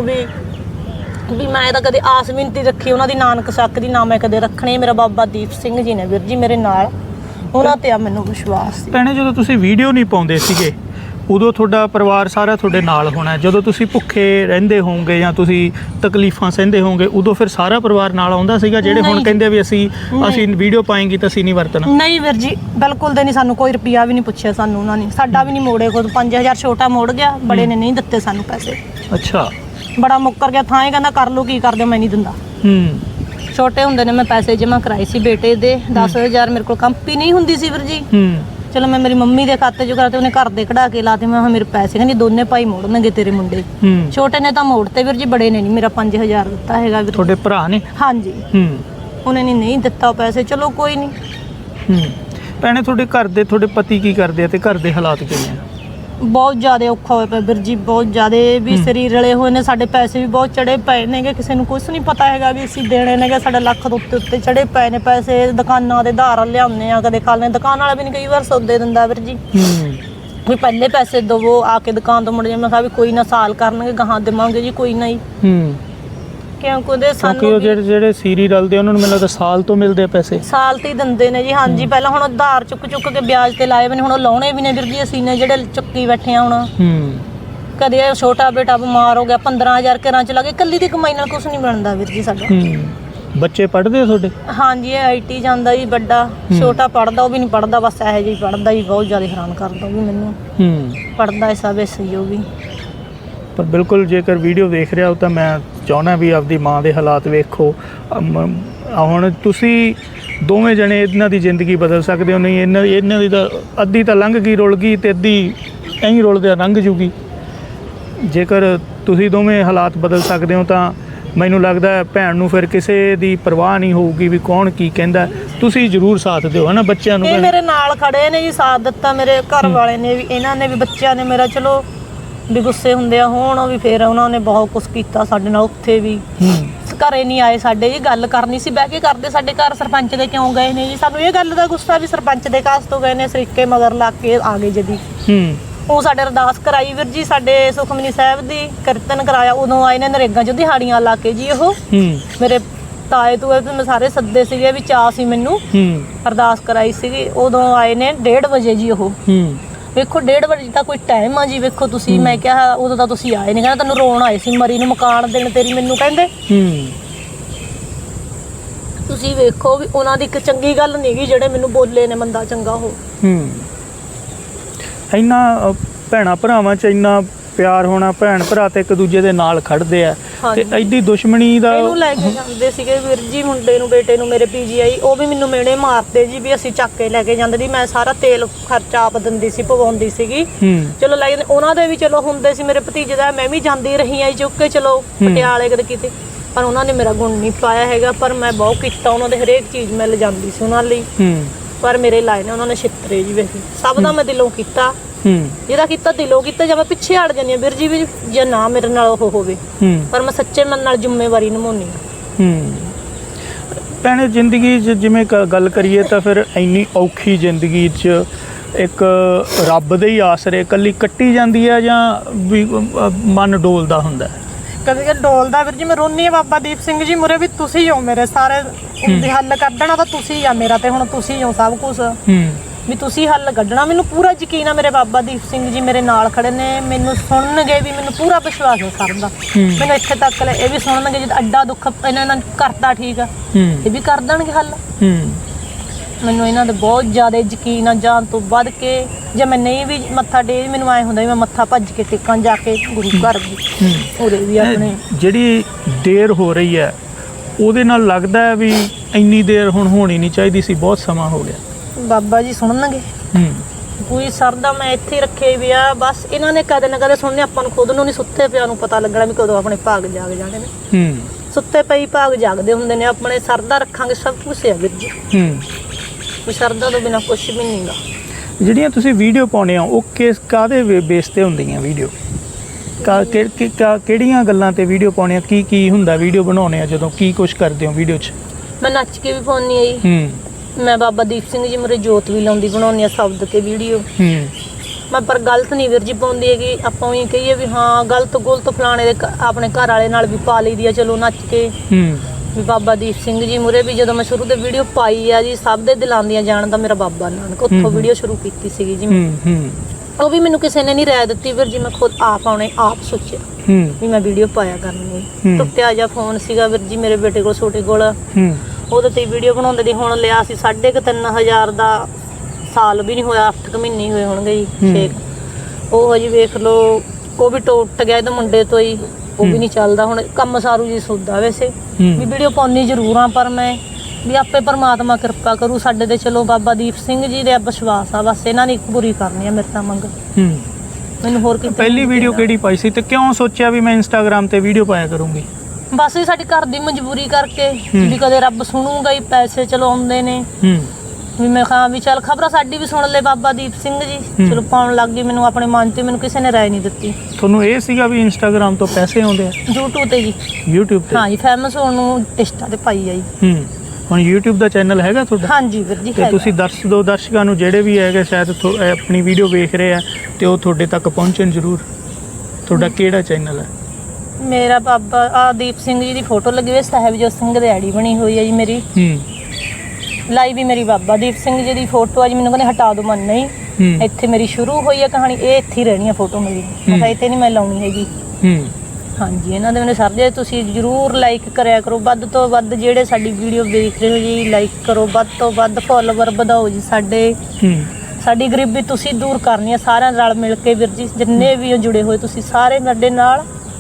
S2: ਵੀ ਮੈਂ ਤਾਂ ਕਦੇ ਆਸ ਵੀ ਨਹੀਂ ਰੱਖੀ ਉਹਨਾਂ ਦੀ ਨਾਨਕ ਸ਼ੱਕ ਦੀ, ਨਾ ਮੈਂ ਕਦੇ ਰੱਖਣੀ। ਮੇਰਾ ਬਾਬਾ ਦੀਪ ਸਿੰਘ ਜੀ ਨੇ ਵੀਰ ਜੀ ਮੇਰੇ ਨਾਲ, ਉਹਨਾਂ ਤੇ ਆ ਮੈਨੂੰ ਵਿਸ਼ਵਾਸ ਸੀ।
S1: ਭੈਣੇ ਜਦੋਂ ਤੁਸੀਂ ਵੀਡੀਓ ਨਹੀਂ ਪਾਉਂਦੇ ਸੀਗੇ ਉਦੋਂ ਤੁਹਾਡਾ ਪਰਿਵਾਰ ਸਾਰਾ ਤੁਹਾਡੇ ਨਾਲ ਹੋਣਾ, ਜਦੋਂ ਤੁਸੀਂ ਭੁੱਖੇ ਰਹਿੰਦੇ ਹੋਵੋਗੇ ਜਾਂ ਤੁਸੀਂ ਤਕਲੀਫਾਂ ਸਹਿੰਦੇ ਹੋਵੋਗੇ ਉਦੋਂ ਫਿਰ ਸਾਰਾ ਪਰਿਵਾਰ ਨਾਲ ਆਉਂਦਾ ਸੀਗਾ? ਜਿਹੜੇ ਹੁਣ ਕਹਿੰਦੇ ਵੀ ਅਸੀਂ ਵੀਡੀਓ ਪਾਏਂਗੇ ਤਾਂ ਅਸੀਂ ਨਹੀਂ ਵਰਤਣਾ।
S2: ਨਹੀਂ ਵੀਰ ਜੀ ਬਿਲਕੁਲ ਦੇ ਨਹੀਂ, ਸਾਨੂੰ ਕੋਈ ਰੁਪਿਆ ਵੀ ਨਹੀਂ ਪੁੱਛਿਆ ਸਾਨੂੰ ਉਹਨਾਂ ਨੇ, ਸਾਡਾ ਵੀ ਨਹੀਂ ਮੋੜੇ। ਖੁਦ 5000 ਛੋਟਾ ਮੋੜ ਗਿਆ, ਬੜੇ ਨੇ ਨਹੀਂ ਦਿੱਤੇ ਸਾਨੂੰ ਪੈਸੇ।
S1: ਅੱਛਾ,
S2: ਬੜਾ ਮੁੱਕਰ ਗਿਆ, ਥਾਂ ਹੀ ਕਹਿੰਦਾ ਕਰ ਲਓ ਕੀ ਕਰਦੇ, ਮੈਂ ਨਹੀਂ ਦਿੰਦਾ। ਛੋਟੇ ਹੁੰਦੇ ਨੇ ਮੈਂ ਪੈਸੇ ਜਮ੍ਹਾਂ ਕਰਾਏ ਸੀ ਬੇਟੇ ਦੇ 10000, ਮੇਰੇ ਕੋਲ ਕੰਪੀ ਨਹੀਂ ਹੁੰਦੀ ਸੀ ਵੀਰ ਜੀ। ਚਲੋ ਮੈਂ ਮੇਰੀ ਮੰਮੀ ਦੇ ਖਾਤੇ 'ਚ ਕਰਾਤੇ, ਉਹਨੇ ਘਰ ਦੇ ਕਢਾ ਕੇ ਲਾਤੇ। ਮੈਂ ਮੇਰੇ ਪੈਸੇ ਕਹਿੰਦੀ ਦੋਨੇ ਭਾਈ ਮੋੜਨਗੇ ਤੇਰੇ ਮੁੰਡੇ। ਛੋਟੇ ਨੇ ਤਾਂ ਮੋੜਤੇ ਵੀਰ ਜੀ, ਬੜੇ ਨੇ ਨਹੀਂ ਮੇਰਾ 5000 ਦਿੱਤਾ ਹੈਗਾ ਵੀਰ।
S1: ਤੁਹਾਡੇ ਭਰਾ ਨੇ?
S2: ਹਾਂਜੀ, ਉਹਨੇ ਨਹੀਂ ਦਿੱਤਾ ਪੈਸੇ। ਚਲੋ ਕੋਈ ਨਹੀਂ।
S1: ਭੈਣੇ ਤੁਹਾਡੇ ਘਰ ਦੇ ਤੁਹਾਡੇ ਪਤੀ ਕੀ ਕਰਦੇ ਆ ਤੇ ਘਰ ਦੇ ਹਾਲਾਤ ਕਿਵੇਂ ਆ?
S2: ਬਹੁਤ ਜ਼ਿਆਦਾ ਔਖਾ ਹੋਇਆ ਪਿਆ ਵੀਰ ਜੀ, ਬਹੁਤ ਜ਼ਿਆਦਾ ਵੀ ਸਰੀਰ ਰਲੇ ਹੋਏ ਨੇ, ਸਾਡੇ ਪੈਸੇ ਵੀ ਬਹੁਤ ਚੜੇ ਪਏ ਨੇਗੇ, ਕਿਸੇ ਨੂੰ ਕੁਛ ਨਹੀਂ ਪਤਾ ਹੈਗਾ ਵੀ ਅਸੀਂ ਦੇਣੇ ਨੇਗੇ। ਸਾਡਾ ਲੱਖ ਦੇ ਉੱਤੇ ਚੜੇ ਪਏ ਨੇ ਪੈਸੇ, ਦੁਕਾਨਾਂ ਦੇ ਧਾਰ ਲਿਆਉਂਦੇ ਆ, ਕਦੇ ਖਾਣੇ ਦੁਕਾਨ ਵਾਲਾ ਵੀ ਨਹੀਂ ਕਈ ਵਾਰ ਸੌਦੇ ਦਿੰਦਾ ਵੀਰ ਜੀ। ਵੀ ਪਹਿਲੇ ਪੈਸੇ ਦਵੋ ਆ ਕੇ ਦੁਕਾਨ ਤੋਂ ਮੁੜ ਜਾ, ਮੈਂ ਕਿਹਾ ਵੀ ਕੋਈ ਨਾ ਸਾਲ ਕਰਨਗੇ ਗਾਹਾਂ ਦੇਵਾਂਗੇ ਜੀ, ਕੋਈ ਨਾ ਹੀ। ਕਿਉਂਕਿ ਸਾਨੂੰ
S1: ਜਿਹੜੇ ਸੀਰੀ ਰਲਦੇ ਉਹਨਾਂ ਨੂੰ ਮੈਨੂੰ ਲੱਗਦਾ ਸਾਲ ਤੋਂ ਮਿਲਦੇ ਆ ਪੈਸੇ, ਸਾਲ
S2: ਤੇ ਹੀ ਦਿੰਦੇ ਨੇ ਜੀ। ਹਾਂਜੀ, ਪਹਿਲਾਂ ਹੁਣ ਉਧਾਰ ਚੁੱਕ ਕੇ ਵਿਆਜ ਤੇ ਲਾਏ ਵੀ ਨੇ, ਹੁਣ ਉਹ ਲਾਉਣੇ ਵੀ ਨੇ ਵੀਰ ਜੀ ਅਸੀਂ ਨੇ ਜਿਹੜੇ ਚੁੱਕੀ ਬੈਠੇ ਆ ਹੁਣ। ਕਦੇ ਛੋਟਾ ਬੇਟਾ ਬਿਮਾਰ ਹੋ ਗਿਆ, 15000 ਘਰਾਂ ਚ ਲੱਗੇ, ਇਕੱਲੀ ਦੀ ਕਮਾਈ ਨਾਲ ਕੁਛ ਨਹੀਂ ਬਣਦਾ ਵੀਰ ਜੀ ਸਾਡਾ।
S1: ਬੱਚੇ ਪੜ੍ਹਦੇ ਆ ਤੁਹਾਡੇ?
S2: ਹਾਂਜੀ, ਇਹ ਆਈਟੀ ਜਾਂਦਾ ਜੀ, ਵੱਡਾ ਛੋਟਾ ਪੜਦਾ, ਉਹ ਵੀ ਨਹੀਂ ਪੜਦਾ, ਬਸ ਇਹੋ ਜਿਹੀ ਪੜਦਾ ਜੀ, ਬਹੁਤ ਜ਼ਿਆਦਾ ਹੈਰਾਨ ਕਰਦਾ ਉਹ ਵੀ ਮੈਨੂੰ। ਪੜਦਾ ਸਭ ਸਹੀ ਉਹ ਵੀ।
S1: ਪਰ ਬਿਲਕੁਲ ਜੇਕਰ ਵੀਡੀਓ ਵੇਖ ਰਿਹਾ ਹੋ ਤਾਂ ਮੈਂ ਚਾਹੁੰਦਾ ਵੀ ਆਪਦੀ ਮਾਂ ਦੇ ਹਾਲਾਤ ਵੇਖੋ। ਹੁਣ ਤੁਸੀਂ ਦੋਵੇਂ ਜਣੇ ਇਹਨਾਂ ਦੀ ਜ਼ਿੰਦਗੀ ਬਦਲ ਸਕਦੇ ਹੋ। ਨਹੀਂ ਇਹਨਾਂ ਦੀ ਤਾਂ ਅੱਧੀ ਤਾਂ ਲੰਘ ਗਈ, ਰੁਲ ਗਈ, ਤੇ ਅੱਧੀ ਐਂ ਰੁਲਦਿਆਂ ਲੰਘ ਜੂਗੀ। ਜੇਕਰ ਤੁਸੀਂ ਦੋਵੇਂ ਹਾਲਾਤ ਬਦਲ ਸਕਦੇ ਹੋ ਤਾਂ ਮੈਨੂੰ ਲੱਗਦਾ ਭੈਣ ਨੂੰ ਫਿਰ ਕਿਸੇ ਦੀ ਪਰਵਾਹ ਨਹੀਂ ਹੋਊਗੀ ਵੀ ਕੌਣ ਕੀ ਕਹਿੰਦਾ। ਤੁਸੀਂ ਜ਼ਰੂਰ ਸਾਥ ਦਿਓ, ਹੈ ਨਾ, ਬੱਚਿਆਂ ਨੂੰ।
S2: ਇਹ ਮੇਰੇ ਨਾਲ ਖੜੇ ਨੇ ਜੀ, ਸਾਥ ਦਿੱਤਾ ਮੇਰੇ ਘਰ ਵਾਲੇ ਨੇ ਵੀ, ਇਹਨਾਂ ਨੇ ਵੀ, ਬੱਚਿਆਂ ਨੇ ਮੇਰਾ। ਚਲੋ ਵੀ ਗੁੱਸੇ ਹੁੰਦੇ ਆ ਹੁਣ ਉਹ ਵੀ, ਫਿਰ ਉਹਨਾਂ ਨੇ ਬਹੁਤ ਕੁਛ ਕੀਤਾ ਸਾਡੇ ਨਾਲ। ਉੱਥੇ ਵੀ ਘਰੇ ਨਹੀਂ ਆਏ ਸਾਡੇ ਜੀ, ਗੱਲ ਕਰਨੀ ਸੀ, ਬਹਿ ਕੇ ਕਰਦੇ ਸਾਡੇ ਘਰ। ਸਰਪੰਚ ਦੇ ਕਿਉਂ ਗਏ ਨੇ ਜੀ, ਸਾਨੂੰ ਇਹ ਗੱਲ ਦਾ ਗੁੱਸਾ ਵੀ ਸਰਪੰਚ ਦੇ ਕਾਸ ਤੋਂ ਗਏ ਨੇ, ਸਰੀਕੇ ਮਗਰ ਲਾ ਕੇ ਆ ਗਏ ਜਦੀ। ਉਹ ਸਾਡੇ ਅਰਦਾਸ ਕਰਾਈ ਵੀਰ ਜੀ, ਸਾਡੇ ਸੁਖਮਨੀ ਸਾਹਿਬ ਦੀ ਕੀਰਤਨ ਕਰਾਇਆ, ਉਦੋਂ ਆਏ ਨੇ ਨਰੇਗਾ 'ਚ ਦਿਹਾੜੀਆਂ ਲਾ ਕੇ ਜੀ। ਉਹ ਮੇਰੇ ਤਾਏ ਤੂਏ ਤੇ ਮੈਂ ਸਾਰੇ ਸੱਦੇ ਸੀਗੇ ਵੀ, ਚਾਅ ਸੀ ਮੈਨੂੰ, ਅਰਦਾਸ ਕਰਾਈ ਸੀਗੀ। ਉਦੋਂ ਆਏ ਨੇ 1:30 ਵਜੇ ਜੀ। ਉਹ ਵੇਖੋ 1:30 ਵਜੇ ਤਾਂ ਕੋਈ ਟਾਈਮ ਆ ਜੀ, ਵੇਖੋ ਤੁਸੀਂ। ਮੈਂ ਕਿਹਾ ਉਦੋਂ ਤਾਂ ਤੁਸੀਂ ਆਏ ਨਹੀਂ, ਕਹਿੰਦਾ ਤੈਨੂੰ ਰੋਣ ਆਏ ਸੀ ਮਰੀ ਨੂੰ, ਮਕਾਨ ਦੇਣ ਤੇਰੀ ਮੈਨੂੰ ਕਹਿੰਦੇ। ਤੁਸੀਂ ਵੇਖੋ ਵੀ ਉਹਨਾਂ ਦੀ ਇੱਕ ਚੰਗੀ ਗੱਲ ਨਹੀਂ ਗਈ ਜਿਹੜੇ ਮੈਨੂੰ ਬੋਲੇ ਨੇ, ਮੰਦਾ ਚੰਗਾ ਉਹ।
S1: ਇੰਨਾ ਭੈਣਾਂ ਭਰਾਵਾਂ 'ਚ ਇੰਨਾ ਪਿਆਰ ਹੋਣਾ, ਭੈਣ ਭਰਾ ਤੇ ਇੱਕ ਦੂਜੇ ਦੇ ਨਾਲ ਖੜਦੇ ਆ, ਤੇ ਐਡੀ ਦੁਸ਼ਮਣੀ ਦਾ।
S2: ਇਹਨੂੰ ਲੈ ਕੇ ਜਾਂਦੇ ਸੀਗੇ ਵੀਰ ਜੀ, ਮੁੰਡੇ ਨੂੰ, ਬੇਟੇ ਨੂੰ ਮੇਰੇ PGI, ਉਹ ਵੀ ਮੈਨੂੰ ਮਿਹਣੇ ਮਾਰਦੇ ਜੀ ਵੀ ਅਸੀਂ ਚੱਕ ਕੇ ਲੈ ਕੇ ਜਾਂਦੇ ਸੀ। ਮੈਂ ਸਾਰਾ ਤੇਲ ਖਰਚਾ ਆਪ ਦਿੰਦੀ ਸੀ, ਪਵਾਉਂਦੀ ਸੀਗੀ। ਚਲੋ ਲੈ ਜਾਂਦੇ ਉਹਨਾਂ ਦੇ ਵੀ, ਚਲੋ ਹੁੰਦੇ ਸੀ ਮੇਰੇ ਭਤੀਜੇ ਦਾ, ਮੈਂ ਵੀ ਜਾਂਦੀ ਰਹੀ ਆ ਚੁੱਕ ਕੇ, ਚਲੋ ਪਟਿਆਲੇ ਕਦੇ ਕਿਤੇ। ਪਰ ਉਹਨਾਂ ਨੇ ਮੇਰਾ ਗੁਣ ਨਹੀਂ ਪਾਇਆ ਹੈਗਾ, ਪਰ ਮੈਂ ਬਹੁਤ ਕੀਤਾ ਉਹਨਾਂ ਦੇ, ਹਰੇਕ ਚੀਜ਼ ਮਿਲ ਜਾਂਦੀ ਸੀ ਉਹਨਾਂ ਲਈ। ਪਰ ਮੇਰੇ ਲਾਏ ਨੇ ਉਹਨਾਂ ਨੇ ਛਿੱਤਰੇ ਜੀ। ਵੈਸੇ ਸਭ ਦਾ ਮੈਂ ਦਿਲੋਂ ਕੀਤਾ, ਜਿਹਦਾ ਕੀਤਾ ਦਿਲੋਂ ਕੀਤਾ। ਜਾਂ ਮੈਂ ਪਿੱਛੇ ਹਟ ਜਾਂਦੀ ਹਾਂ ਵੀਰ ਜੀ ਵੀ, ਜੇ ਨਾ ਮੇਰੇ ਨਾਲ ਉਹ ਹੋਵੇ, ਪਰ ਮੈਂ ਸੱਚੇ ਮਨ ਨਾਲ ਜ਼ਿੰਮੇਵਾਰੀ ਨਿਭਾਉਣੀ ਆ।
S1: ਭੈਣੇ ਜ਼ਿੰਦਗੀ 'ਚ ਜਿਵੇਂ ਗੱਲ ਕਰੀਏ ਤਾਂ ਫਿਰ ਇੰਨੀ ਔਖੀ ਜ਼ਿੰਦਗੀ 'ਚ ਇੱਕ ਰੱਬ ਦੇ ਹੀ ਆਸਰੇ ਇਕੱਲੀ ਕੱਟੀ ਜਾਂਦੀ ਹੈ, ਜਾਂ ਵੀ ਮਨ ਡੋਲਦਾ ਹੁੰਦਾ?
S2: ਕਦੇ ਕਦੇ ਡੋਲਦਾ ਵੀਰ ਜੀ। ਮੈਂ ਰੋਨੀ ਆ ਬਾਬਾ ਦੀਪ ਸਿੰਘ ਜੀ ਮੁਰੇ ਵੀ, ਤੁਸੀਂ ਹੋ ਮੇਰੇ ਸਾਰੇ ਦੇ ਹੱਲ ਕੱਢਣਾ, ਤਾਂ ਤੁਸੀਂ ਆ ਮੇਰਾ, ਤੇ ਹੁਣ ਤੁਸੀਂ ਹੋ ਸਭ ਕੁਝ ਵੀ, ਤੁਸੀਂ ਹੱਲ ਕੱਢਣਾ। ਮੈਨੂੰ ਪੂਰਾ ਯਕੀਨ ਆ, ਮੇਰੇ ਬਾਬਾ ਦੀਪ ਸਿੰਘ ਜੀ ਮੇਰੇ ਨਾਲ ਖੜੇ ਨੇ, ਮੈਨੂੰ ਸੁਣਨਗੇ ਵੀ, ਮੈਨੂੰ ਪੂਰਾ ਵਿਸ਼ਵਾਸ ਹੈ ਸਭ ਦਾ। ਮੈਨੂੰ ਇੱਥੇ ਤੱਕ ਇਹ ਵੀ ਸੁਣਨਗੇ, ਜਦ ਅੱਡਾ ਦੁੱਖ ਇਹਨਾਂ ਨਾਲ ਕਰਤਾ ਠੀਕ ਆ, ਇਹ ਵੀ ਕਰ ਦੇਣਗੇ ਹੱਲ। ਮੈਨੂੰ ਇਹਨਾਂ ਦੇ ਬਹੁਤ ਜ਼ਿਆਦਾ ਯਕੀਨ ਆ, ਜਾਨ ਤੋਂ ਵੱਧ ਕੇ। ਜੇ ਮੈਂ ਨਹੀਂ ਵੀ ਮੱਥਾ ਟੇਕ, ਮੈਨੂੰ ਐਂ ਹੁੰਦਾ ਵੀ ਮੈਂ ਮੱਥਾ ਭੱਜ ਕੇ ਟੇਕਾਂ ਜਾ ਕੇ ਗੁਰੂ ਘਰ ਵੀ, ਉਹਦੇ ਵੀ ਆਪਣੇ। ਜਿਹੜੀ
S1: ਦੇਰ ਹੋ ਰਹੀ ਹੈ ਉਹਦੇ ਨਾਲ ਲੱਗਦਾ ਹੈ ਵੀ ਇੰਨੀ ਦੇਰ ਹੁਣ ਹੋਣੀ ਨਹੀਂ ਚਾਹੀਦੀ ਸੀ, ਬਹੁਤ ਸਮਾਂ ਹੋ ਗਿਆ।
S2: ਬਾਬਾ ਜੀ ਸੁਣਨਗੇ, ਕੋਈ ਸਰਦਾ ਮੈਂ ਇੱਥੇ ਰੱਖੇ ਵੀ ਆ, ਬਸ ਇਹਨਾਂ ਨੇ ਕਦੇ ਨਾ ਕਦੇ ਸੁਣਨੇ। ਆਪਾਂ ਨੂੰ ਖੁਦ ਨੂੰ ਨਹੀਂ, ਸੁੱਤੇ ਪਿਆ ਨੂੰ ਪਤਾ ਲੱਗਣਾ ਵੀ ਕਦੋਂ ਆਪਣੇ ਭਾਗ ਜਾਗ ਜਾਣੇ ਨੇ। ਸੁੱਤੇ ਪਈ ਭਾਗ ਜਾਗਦੇ ਹੁੰਦੇ ਨੇ ਆਪਣੇ। ਸਰਦਾ ਰੱਖਾਂਗੇ ਸਭ ਕੁਛ ਹੈ ਵੀਰ ਜੀ, ਕੋਈ ਸਰਦਾ ਤੋਂ ਬਿਨਾਂ ਕੁਛ ਵੀ ਨਹੀਂ ਗਾ।
S1: ਜਿਹੜੀਆਂ ਤੁਸੀਂ ਵੀਡੀਓ ਪਾਉਂਦੇ ਹੋ ਉਹ ਕਾਹਦੇ ਬੇਸ ਤੇ ਹੁੰਦੀਆਂ ਵੀਡੀਓ? ਕਿਹੜੀਆਂ ਗੱਲਾਂ ਤੇ ਵੀਡੀਓ ਪਾਉਣੇ ਆ? ਕੀ ਹੁੰਦਾ ਵੀਡੀਓ ਬਣਾਉਣੇ ਆ ਜਦੋਂ? ਕੀ ਕੁਛ ਕਰਦੇ ਹੋ ਵੀਡੀਓ 'ਚ?
S2: ਮੈਂ ਨੱਚ ਕੇ ਵੀ ਪਾਉਂਦੀ ਆ ਜੀ। ਮੈਂ ਬਾਬਾ ਦੀਪ ਸਿੰਘ ਜੀ ਮੁਰੇ ਜੋਤ ਵੀ ਲਾਉਂਦੀ, ਬਣਾਉਂਦੀ ਆ ਸ਼ਬਦ ਕੇ ਵੀਡੀਓ। ਮੈਂ ਪਰ ਗਲਤ ਨਹੀਂ ਵੀਰ ਜੀ ਪਾਉਂਦੀ ਹੈਗੀ। ਆਪਾਂ ਉਹੀ ਕਹੀਏ ਵੀ ਹਾਂ ਗਲਤ ਗੁਲਤ ਫਲਾਣੇ ਦੇ ਆਪਣੇ ਘਰ ਵਾਲੇ ਨਾਲ ਵੀ ਪਾ ਲਈਦੀ ਆ, ਚਲੋ ਨੱਚ ਕੇ ਵੀ। ਬਾਬਾ ਦੀਪ ਸਿੰਘ ਜੀ ਮੁਰੇ ਵੀ ਜਦੋਂ ਮੈਂ ਸ਼ੁਰੂ ਤੇ ਵੀਡੀਓ ਪਾਈ ਆ ਜੀ, ਸਭ ਦੇ ਦਿਲਾਂ ਦੀਆਂ ਜਾਣ ਦਾ ਮੇਰਾ ਬਾਬਾ ਨਾਨਕ, ਉੱਥੋਂ ਵੀਡੀਓ ਸ਼ੁਰੂ ਕੀਤੀ ਸੀਗੀ ਜੀ। ਉਹ ਵੀ ਮੈਨੂੰ ਕਿਸੇ ਨੇ ਨਹੀਂ ਰਾਏ ਦਿੱਤੀ ਵੀਰ ਜੀ, ਮੈਂ ਖੁਦ ਆਪ ਆਉਣੇ ਆਪ ਸੋਚਿਆ ਵੀ ਮੈਂ ਵੀਡੀਓ ਪਾਇਆ ਕਰਨੀ। ਟੁੱਟਿਆ ਜਿਹਾ ਫੋਨ ਸੀਗਾ ਵੀਰ ਜੀ ਮੇਰੇ ਬੇਟੇ ਕੋਲ, ਛੋਟੇ ਕੋਲ, ਉਹਦੇ ਤੇ ਵੀਡੀਓ ਬਣਾਉਂਦੇ ਦੀ। ਹੁਣ ਲਿਆ ਸੀ 3,500 ਦਾ, ਸਾਲ ਵੀ ਨਹੀਂ ਹੋਇਆ, 8 ਮਹੀਨੇ ਹੋਏ ਹੋਣਗੇ ਜੀ। ਉਹ ਹਜੇ ਵੇਖ ਲਓ, ਉਹ ਵੀ ਟੁੱਟ ਗਿਆ ਇਹਦੇ ਮੁੰਡੇ ਤੋਂ ਹੀ, ਉਹ ਵੀ ਨਹੀਂ ਚੱਲਦਾ ਹੁਣ। ਕੰਮ ਸਾਰੂ ਜੀ ਸੋਦਾ ਵੈਸੇ ਵੀ ਵੀਡੀਓ ਪਾਉਣੀ ਜ਼ਰੂਰ ਆ, ਪਰ ਮੈਂ ਵੀ ਆਪੇ ਪਰਮਾਤਮਾ ਕਿਰਪਾ ਕਰੂ ਸਾਡੇ ਤੇ। ਚਲੋ ਬਾਬਾ ਦੀਪ ਸਿੰਘ ਜੀ ਦੇ ਵਿਸ਼ਵਾਸ ਆ, ਬਸ ਇਹਨਾਂ ਨੇ ਇੱਕ ਪੂਰੀ ਕਰਨੀ ਆ ਮੇਰੇ ਤਾਂ ਮੰਗ। ਮੈਨੂੰ ਹੋਰ ਕੀ।
S1: ਪਹਿਲੀ ਵੀਡੀਓ ਕਿਹੜੀ ਪਾਈ ਸੀ ਤੇ ਕਿਉਂ ਸੋਚਿਆ ਵੀ ਮੈਂ ਇੰਸਟਾਗ੍ਰਾਮ ਤੇ ਵੀਡੀਓ ਪਾਇਆ ਕਰੂੰਗੀ?
S2: ਬਸ ਸਾਡੀ ਘਰ ਦੀ ਮਜਬੂਰੀ ਕਰਕੇ ਵੀ ਕਦੇ ਰੱਬ ਸੁਣੂਗਾ ਹੀ, ਪੈਸੇ ਚਲੋ ਆਉਂਦੇ ਨੇ ਵੀ। ਮੈਂ ਕਿਹਾ ਵੀ ਚੱਲ ਖਬਰਾਂ ਸਾਡੀ ਵੀ ਸੁਣ ਲੈ ਬਾਬਾ ਦੀਪ ਸਿੰਘ ਜੀ, ਚਲੋ ਪਾਉਣ ਲੱਗ ਗਈ। ਮੈਨੂੰ ਆਪਣੇ ਮਨ ਤੇ ਮੈਨੂੰ ਕਿਸੇ ਨੇ ਰਾਏ ਨਹੀਂ ਦਿੱਤੀ।
S1: ਤੁਹਾਨੂੰ ਇਹ ਸੀਗਾ ਵੀ ਇੰਸਟਾਗ੍ਰਾਮ ਤੋਂ ਪੈਸੇ ਆਉਂਦੇ ਆ?
S2: YouTube ਤੇ ਜੀ।
S1: YouTube ਤੇ?
S2: ਹਾਂ ਜੀ, ਫੇਮਸ ਹੋਣ ਨੂੰ ਇੰਸਟਾ ਤੇ ਪਾਈ ਆ ਜੀ।
S1: ਹੁਣ YouTube ਦਾ ਚੈਨਲ ਹੈਗਾ ਤੁਹਾਡਾ?
S2: ਹਾਂਜੀ ਵੀਰ ਜੀ।
S1: ਤੇ ਤੁਸੀਂ ਦੱਸ ਦਿਓ ਦਰਸ਼ਕਾਂ ਨੂੰ ਜਿਹੜੇ ਵੀ ਹੈਗੇ ਸ਼ਾਇਦ ਆਪਣੀ ਵੀਡੀਓ ਵੇਖ ਰਹੇ ਆ ਤੇ ਉਹ ਤੁਹਾਡੇ ਤੱਕ ਪਹੁੰਚਣ ਜ਼ਰੂਰ। ਤੁਹਾਡਾ ਕਿਹੜਾ ਚੈਨਲ ਹੈ?
S2: ਮੇਰਾ ਬਾਬਾ ਦੀਪ ਸਿੰਘ ਜੀ ਦੀ ਫੋਟੋ ਲੱਗੀ ਹੋਈ, ਸਾਹਿਬਜੋਤ ਸਿੰਘ ਦੀ ਆਈਡੀ ਬਣੀ ਹੋਈ ਹੈ ਜੀ ਮੇਰੀ। ਲਾਈ ਵੀ ਮੇਰੀ ਬਾਬਾ ਦੀਪ ਸਿੰਘ ਜੀ ਦੀ ਫੋਟੋ ਆ ਜੀ। ਮੈਨੂੰ ਕਹਿੰਦੇ ਹਟਾ ਦੋ, ਮਨ ਨਹੀਂ, ਇੱਥੇ ਮੇਰੀ ਸ਼ੁਰੂ ਹੋਈ ਹੈ ਕਹਾਣੀ, ਇਹ ਇੱਥੇ ਹੀ ਰਹਿਣੀ ਹੈ ਫੋਟੋ ਮੇਰੀ। ਮੈਂ ਕਿਹਾ ਇੱਥੇ ਨਹੀਂ ਮੈਂ ਲਾਉਣੀ ਹੈਗੀ। ਹਾਂਜੀ ਇਹਨਾਂ ਦੇ ਮੈਨੂੰ ਸਰ ਜੀ ਤੁਸੀਂ ਜ਼ਰੂਰ ਲਾਈਕ ਕਰਿਆ ਕਰੋ, ਵੱਧ ਤੋਂ ਵੱਧ ਜਿਹੜੇ ਸਾਡੀ ਵੀਡੀਓ ਦੇਖ ਰਹੇ ਹੋ ਜੀ ਲਾਈਕ ਕਰੋ, ਵੱਧ ਤੋਂ ਵੱਧ ਫੋਲੋਵਰ ਵਧਾਓ ਜੀ ਸਾਡੇ। ਸਾਡੀ ਗਰੀਬੀ ਤੁਸੀਂ ਦੂਰ ਕਰਨੀ ਹੈ ਸਾਰਿਆਂ ਨਾਲ ਮਿਲ ਕੇ ਵੀਰ ਜੀ, ਜਿੰਨੇ ਵੀ ਜੁੜੇ ਹੋਏ ਤੁਸੀਂ ਸਾਰੇ ਸਾਡੇ ਨਾਲ।